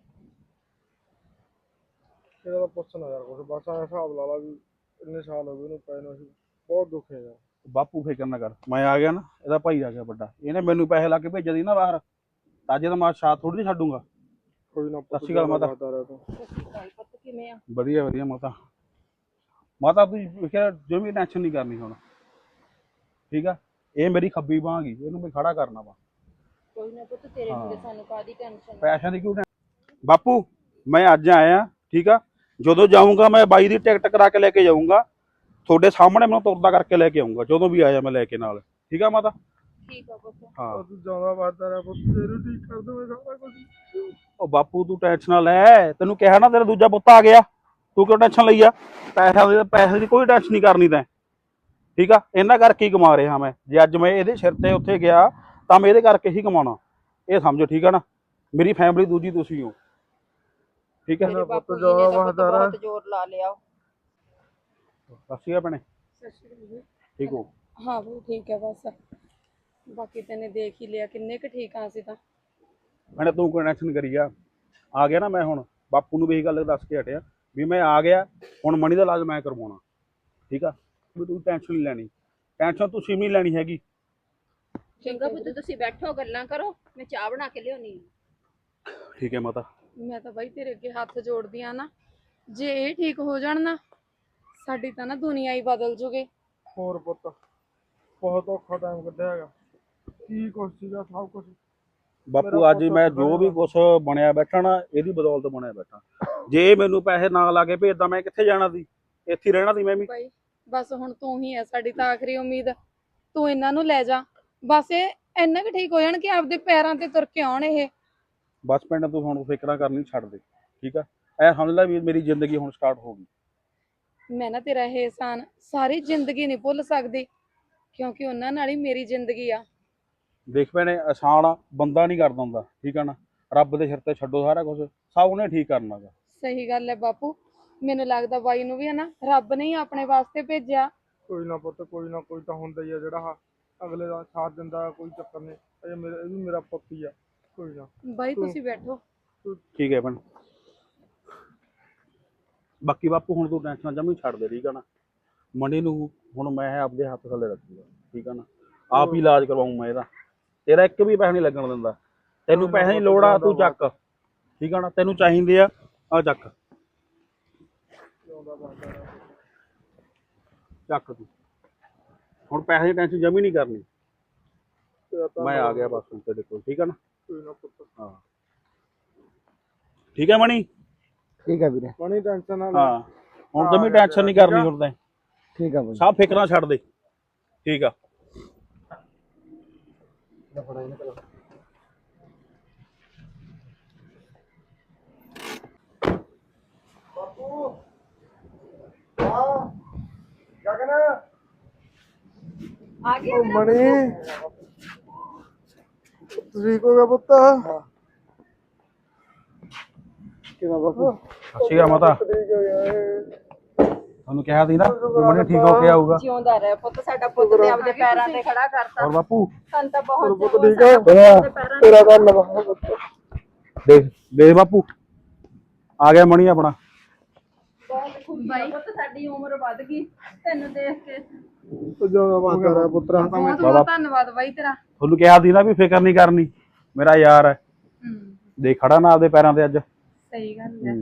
ਇਹਦਾ ਤਾਂ ਪੁੱਛਣਾ ਯਾਰ ਕੁਛ, ਬਸ ਐਂ ਹਿਸਾਬ ਲਾ ਲਾ ਵੀ ਇੰਨੇ ਸਾਲ ਹੋ ਗਏ ਉਹਨੂੰ ਪਏ ਨੂੰ, ਅਸੀਂ ਬਹੁਤ ਦੁੱਖ ਹੈ ਯਾਰ।
ਬਾਪੂ ਫਿਕਰ ਨਾ ਕਰ, ਮੈਂ ਆ ਗਿਆ ਨਾ, ਇਹਦਾ ਭਾਈ ਆ ਗਿਆ ਵੱਡਾ, ਇਹਨੇ ਮੈਨੂੰ ਪੈਸੇ ਲਾ ਕੇ ਭੇਜਿਆ ਸੀ ਨਾ ਬਾਹਰ, ਅੱਜ ਤਾਂ ਮੈਂ ਸਾਥ ਥੋੜੀ ਨਹੀਂ ਛੱਡੂਗਾ।
ਕੋਈ ਨਾ
ਸਤਿ ਸ਼੍ਰੀ ਅਕਾਲ ਮਾਤਾ।
ਪੁੱਤ ਕਿਵੇਂ ਆ?
ਵਧੀਆ ਵਧੀਆ ਮਾਤਾ। ਮਾਤਾ ਤੂੰ ਫਿਕਰ ਜੋ ਵੀ ਟੈਨਸ਼ਨ ਨਹੀਂ ਕਰਨੀ ਹੁਣ, ਠੀਕ ਆ? ਇਹ ਮੇਰੀ ਖੱਬੀ ਬਾਂਹ ਗਈ, ਇਹਨੂੰ ਮੈਂ ਖੜਾ ਕਰਨਾ ਵਾ।
ਕੋਈ ਨਾ ਪੁੱਤ, ਤੇਰੇ ਹੁੰਦੇ ਸਾਨੂੰ ਕਾਹਦੀ ਟੈਨਸ਼ਨ।
ਪੈਸਿਆਂ ਦੀ ਕਿਉਂ ਬਾਪੂ? ਮੈਂ ਅੱਜ ਆਇਆ, ਠੀਕ ਆ? ਜਦੋਂ ਜਾਊਂਗਾ ਮੈਂ ਬਾਈ ਦੀ ਟਿਕਟ ਕਰਾ ਕੇ ਲੈ ਕੇ ਜਾਊਂਗਾ, ਤੁਹਾਡੇ ਸਾਹਮਣੇ ਮੈਨੂੰ ਤੁਰਦਾ ਕਰਕੇ ਲੈ ਕੇ ਆਊਂਗਾ, ਜਦੋਂ ਵੀ ਆਇਆ ਮੈਂ ਲੈ ਕੇ ਨਾਲ, ਠੀਕ ਆ ਮਾਤਾ?
ਠੀਕ ਆ ਪੁੱਤ।
ਹਾਂ
ਤੂੰ ਜਿਆਦਾ ਵਾਦਾ ਰਿਹਾ ਪੁੱਤ, ਤੇਰੇ ਠੀਕ ਕਰ ਦੂੰਗਾ ਸਾਰਾ ਕੁਝ।
ਉਹ ਬਾਪੂ ਤੂੰ ਟੈਨਸ਼ਨ ਨਾ ਲੈ, ਤੈਨੂੰ ਕਿਹਾ ਨਾ ਤੇਰਾ ਦੂਜਾ ਪੁੱਤ ਆ ਗਿਆ, ਤੂੰ ਕਿਉਂ ਟੈਨਸ਼ਨ ਲਈ ਆ? ਪੈਸੇ ਦੀ ਕੋਈ ਟੈਨਸ਼ਨ ਨਹੀਂ ਕਰਨੀ ਤੈਂ, ਠੀਕ ਆ? ਇਹਨਾਂ ਕਰਕੇ ਹੀ ਕਮਾ ਰਿਹਾ ਮੈਂ, ਜੇ ਅੱਜ ਮੈਂ ਇਹਦੇ ਸਿਰ ਤੇ ਉੱਥੇ ਗਿਆ ਤਾਂ ਮੈਂ ਇਹਦੇ ਕਰਕੇ ਹੀ ਕਮਾਉਣਾ, ਇਹ ਸਮਝੋ, ਠੀਕ ਆ ਨਾ? ਮੇਰੀ ਫੈਮਿਲੀ ਦੂਜੀ ਤੁਸੀਂ ਹੋ, ਠੀਕ ਹੈ?
ਮੇਰੇ
ਪੁੱਤ
ਬਾਪੂ ਜੀ
ਜ਼ਿਆਦਾ
ਨੇ ਤਾਂ ਪੁੱਤ
ਵਾਹਦਾਰ ਆ।
ਬਹੁਤ ਜ਼ੋਰ ਲਾ ਲਿਆ।
ਸੱਸੀ ਆ ਭੈਣੇ, ਠੀਕ ਹੋ?
ਹਾਂ ਬਈ ਠੀਕ ਹੈ ਬਸ। ਬਾਕੀ ਤੈਨੇ ਦੇਖ ਹੀ ਲਿਆ ਕਿੰਨੇ ਕੁ ਠੀਕ ਆ ਅਸੀਂ ਤਾਂ।
ਭੈਣੇ ਤੂੰ ਕੋਈ ਟੈਨਸ਼ਨ ਕਰੀ ਆ ਗਿਆ ਨਾ ਮੈਂ ਹੁਣ, ਬਾਪੂ ਨੂੰ ਵੀ ਇਹ ਗੱਲ ਦੱਸ ਕੇ ਹਟਿਆ ਵੀ ਮੈਂ ਆ ਗਿਆ, ਹੁਣ ਮਣੀ ਦਾ ਇਲਾਜ ਮੈਂ ਕਰਵਾਉਣਾ, ਠੀਕ ਆ? ਵੀ ਤੂੰ ਟੈਨਸ਼ਨ ਨਹੀਂ ਲੈਣੀ, ਟੈਨਸ਼ਨ ਤੁਸੀਂ ਨਹੀਂ ਲੈਣੀ ਹੈਗੀ।
ਚੰਗਾ ਪੁੱਤ, ਤੁਸੀਂ ਬੈਠੋ ਗੱਲਾਂ ਕਰੋ, ਮੈਂ ਚਾਹ ਬਣਾ ਕੇ ਲਿਆਉਣੀ।
ਠੀਕ ਹੈ ਮਾਤਾ।
ਮੈਂ ਤਾਂ ਬਾਈ ਤੇਰੇ ਅੱਗੇ ਹੱਥ ਜੋੜਦੀ ਆ ਨਾ, ਜੇ ਇਹ ਠੀਕ ਹੋ ਜਾਣ ਨਾ, ਸਾਡੀ ਤਾਂ ਨਾ ਦੁਨੀਆ ਹੀ ਬਦਲ ਜੂਗੀ।
ਹੋਰ ਪੁੱਤ ਬਹੁਤ ਔਖਾ ਟਾਈਮ ਕੱਢਿਆ ਹੈਗਾ, ਕੀ ਕੁਛ ਸੀਗਾ ਸਭ ਕੁਛ।
ਬਾਪੂ ਅੱਜ ਮੈਂ ਜੋ ਵੀ ਕੁਛ ਬਣਿਆ ਬੈਠਾ ਨਾ, ਇਹਦੀ ਬਦੌਲਤ ਬਣਿਆ ਬੈਠਾ। ਜੇ ਮੈਨੂੰ ਪੈਸੇ ਨਾ ਲਾ ਕੇ ਭੇਜਦਾ ਮੈਂ ਕਿੱਥੇ ਜਾਣਾ ਸੀ, ਇੱਥੇ ਰਹਿਣਾ ਸੀ ਮੈਂ ਵੀ।
ਬਾਈ ਬਸ ਹੁਣ ਤੂੰ ਹੀ ਹੈ ਸਾਡੀ ਤਾਂ ਆਖਰੀ ਉਮੀਦ, ਤੂੰ ਇਹਨਾਂ ਨੂੰ ਲੈ ਜਾ, ਬਸ ਇਹ ਇੰਨਾ ਕੁ ਠੀਕ ਹੋ ਜਾਣ ਕਿ ਆਪਦੇ ਪੈਰਾਂ ਤੇ ਤੁਰ ਕੇ ਆਉਣ ਇਹ।
ਬਸ ਪਿੰਡ ਤੂੰ ਹੁਣ ਫਿਕਰਾਂ ਕਰਨੀ ਛੱਡ ਦੇ, ਠੀਕ ਆ? ਐ ਸਮਝ ਲੈ ਵੀ ਮੇਰੀ ਜ਼ਿੰਦਗੀ ਹੁਣ ਸਟਾਰਟ ਹੋ ਗਈ।
ਮੈਂ ਨਾ ਤੇਰਾ ਇਹ ਇਹਸਾਨ ਸਾਰੀ ਜ਼ਿੰਦਗੀ ਨਹੀਂ ਭੁੱਲ ਸਕਦੀ, ਕਿਉਂਕਿ ਉਹਨਾਂ ਨਾਲ ਹੀ ਮੇਰੀ ਜ਼ਿੰਦਗੀ ਆ।
ਦੇਖ ਭੈਣੇ, ਆਸਾਨ ਬੰਦਾ ਨਹੀਂ ਕਰਦਾ ਹੁੰਦਾ, ਠੀਕ ਆ ਨਾ? ਰੱਬ ਦੇ ਸਿਰ ਤੇ ਛੱਡੋ ਸਾਰਾ ਕੁਝ, ਸਭ ਉਹਨੇ ਠੀਕ ਕਰਨਾ ਗਾ।
ਸਹੀ ਗੱਲ ਹੈ ਬਾਪੂ, ਮੈਨੂੰ ਲੱਗਦਾ ਬਾਈ ਨੂੰ ਵੀ ਹੈ ਨਾ ਰੱਬ ਨੇ ਹੀ ਆਪਣੇ ਵਾਸਤੇ ਭੇਜਿਆ।
ਕੋਈ ਨਾ ਪੁੱਤ, ਕੋਈ ਨਾ ਕੋਈ ਤਾਂ ਹੁੰਦਾ ਹੀ ਆ ਜਿਹੜਾ ਅਗਲੇ ਦਾ ਸਾਥ ਦਿੰਦਾ, ਕੋਈ ਚੱਕਰ ਨਹੀਂ। ਇਹ ਵੀ ਮੇਰਾ ਪੁੱਤ ਹੀ ਆ, ਕੋਈ ਨਾ।
ਬਾਈ ਤੁਸੀਂ ਬੈਠੋ।
ਠੀਕ ਹੈ ਭੈਣ। ਬਾਕੀ ਬਾਪੂ ਹੁਣ ਤੂੰ ਟੈਨਸ਼ਨ ਜਮੀ ਛੱਡ ਦੇ, ਠੀਕ ਆ ਨਾ। ਮਣੀ ਨੂੰ ਹੁਣ ਮੈਂ ਆਪਦੇ ਹੱਥ ਥੱਲੇ ਰੱਖੂਗਾ, ਠੀਕ ਆ ਨਾ। ਆਪ ਹੀ ਇਲਾਜ ਕਰਵਾਉਂ ਮੈਂ ਇਹਦਾ, ਤੇਰਾ ਇੱਕ ਵੀ ਪੈਸਾ ਨਹੀਂ ਲੱਗਣ ਦਿੰਦਾ। ਤੈਨੂੰ ਪੈਸੇ ਦੀ ਲੋੜ ਆ, ਤੂੰ ਚੱਕ, ਠੀਕ ਆ ਨਾ। ਤੈਨੂੰ ਚਾਹੀਦੇ ਆ ਚੱਕ ਚੱਕ ਤੂੰ। ਹੁਣ ਪੈਸੇ ਦੀ ਟੈਨਸ਼ਨ ਜਮੀ ਨਹੀਂ ਕਰਨੀ, ਮੈਂ ਆ ਗਿਆ ਬਸ ਹੁਣ ਤੇਰੇ ਕੋਲ, ਠੀਕ ਆ ਨਾ। ਹਾਂ ਠੀਕ ਹੈ ਮਣੀ।
ਠੀਕ ਹੈ ਵੀਰੇ।
ਬਣੀ ਟੈਨਸ਼ਨ ਨਾ ਲੈ।
ਹਾਂ ਹੁਣ ਜਮੀ ਟੈਨਸ਼ਨ ਨਹੀਂ ਕਰਨੀ ਹੁਣ ਤਾਂ,
ਠੀਕ ਆ ਬਾਈ।
ਸਭ ਫਿਕਰਾਂ ਛੱਡ ਦੇ, ਠੀਕ ਆ।
ਗਗਨ
ਆ ਗਿਆ
ਉਹ ਮਣੀ ਤੁਸੀਂ ਕੋ ਪੁੱਤ
ਕਿਵੇਂ ਬਾਪੂ?
ਅੱਛੀ ਆ ਮਾਤਾ,
ਠੀਕ ਹੋ ਗਿਆ
ਤੁਹਾਨੂੰ ਕਿਹਾ ਸੀ ਨਾ ਮਣੀ ਠੀਕ ਹੋ ਕੇ ਆਊਗਾ।
ਜਿਉਂਦਾ ਰਹਿ ਪੁੱਤ, ਸਾਡਾ ਪੁੱਤ ਤੇ ਆਪਦੇ ਪੈਰਾਂ ਤੇ ਖੜਾ ਕਰਤਾ।
ਹੋਰ ਬਾਪੂ
ਸਾਨੂੰ ਤਾਂ ਬਹੁਤ
ਪੁੱਤ
ਚਾਅ
ਠੀਕ ਹੈ
ਸਾਡੇ ਪੈਰਾਂ
ਤੇਰਾ ਧੰਨਵਾਦ
ਦੇਖ ਦੇਖ ਬਾਪੂ ਆ ਗਿਆ ਮਣੀ ਆਪਣਾ।
ਬਹੁਤ ਖੁਸ਼ੀ ਆ ਪੁੱਤ, ਸਾਡੀ ਉਮਰ ਵੱਧ ਗਈ ਤੈਨੂੰ ਦੇਖ ਕੇ।
ਜੋ ਬਾਤ ਕਰ ਰਿਹਾ ਪੁੱਤਰਾ।
ਬਹੁਤ ਬਹੁਤ ਧੰਨਵਾਦ ਬਾਈ ਤੇਰਾ।
ਤੁਹਾਨੂੰ ਕਿਹਾ ਸੀ ਨਾ ਵੀ ਫਿਕਰ ਨਹੀਂ ਕਰਨੀ, ਮੇਰਾ ਯਾਰ ਹੈ। ਦੇਖ ਖੜਾ ਨਾ ਆਪਦੇ ਪੈਰਾਂ ਤੇ ਅੱਜ।
ਸਹੀ ਗੱਲ ਹੈ।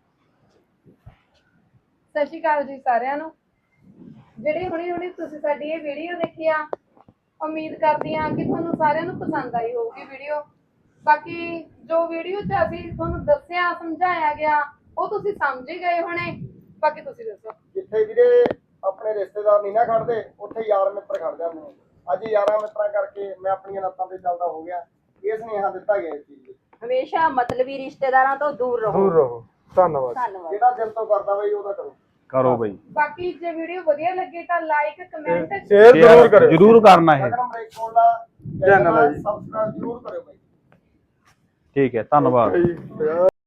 ਸਤਿ ਸ਼੍ਰੀ ਅਕਾਲ ਜੀ ਸਾਰਿਆਂ ਨੂੰ। ਜਿਹੜੇ ਹੁਣੀ ਤੁਸੀਂ ਸਾਡੀ ਇਹ ਵੀਡੀਓ ਦੇਖੀ ਆ, ਉਮੀਦ ਕਰਦੀ ਹਾਂ ਕਿ ਤੁਹਾਨੂੰ ਸਾਰਿਆਂ ਨੂੰ ਪਸੰਦ ਆਈ ਹੋਊਗੀ ਵੀਡੀਓ। ਬਾਕੀ ਜੋ ਵੀਡੀਓ 'ਚ ਅਸੀਂ ਤੁਹਾਨੂੰ ਦੱਸਿਆ ਸਮਝਾਇਆ ਗਿਆ ਉਹ ਤੁਸੀਂ ਸਮਝ ਹੀ ਗਏ ਹੋਣੇ। ਬਾਕੀ ਤੁਸੀਂ ਦੱਸੋ।
ਜਿੱਥੇ ਵੀਰੇ ਆਪਣੇ ਰਿਸ਼ਤੇਦਾਰ ਨਹੀਂ ਨਾ ਖੜਦੇ, ਉੱਥੇ ਯਾਰ ਮਿੱਤਰ ਖੜ ਜਾਂਦੇ ਨੇ। ਅੱਜ ਯਾਰਾਂ ਮਿੱਤਰਾਂ ਕਰਕੇ ਮੈਂ ਆਪਣੀਆਂ ਲੱਤਾਂ ਤੇ ਚੱਲਦਾ ਹੋ ਗਿਆ। ਇਹ ਸੁਨੇਹਾ ਦਿੱਤਾ ਗਿਆ ਇਸ ਚੀਜ਼ ਲਈ।
ਹਮੇਸ਼ਾ ਮਤਲਬੀ ਰਿਸ਼ਤੇਦਾਰਾਂ ਤੋਂ ਦੂਰ ਰਹੋ।
ਦੂਰ ਰਹੋ। ਧੰਨਵਾਦ।
ਧੰਨਵਾਦ।
ਜਿਹੜਾ ਦਿਲ ਤੋਂ ਕਰਦਾ ਬਈ ਉਹਦਾ ਕਰੋ।
ਕਰੋ ਬਈ,
ਬਾਕੀ ਜੇ ਵੀਡੀਓ ਵਧੀਆ ਲੱਗੇ ਤਾਂ ਲਾਈਕ ਕਮੈਂਟ
ਸ਼ੇਅਰ ਜ਼ਰੂਰ ਕਰਿਓ।
ਜ਼ਰੂਰ ਕਰਨਾ ਇਹ,
ਗਗਨ ਬ੍ਰੇਕ ਕੋਲ ਦਾ
ਚੈਨਲ ਹੈ ਜੀ।
ਸਬਸਕ੍ਰਾਈਬ ਜ਼ਰੂਰ ਕਰਿਓ ਬਈ।
ਠੀਕ ਹੈ। ਧੰਨਵਾਦ।
ਜੀ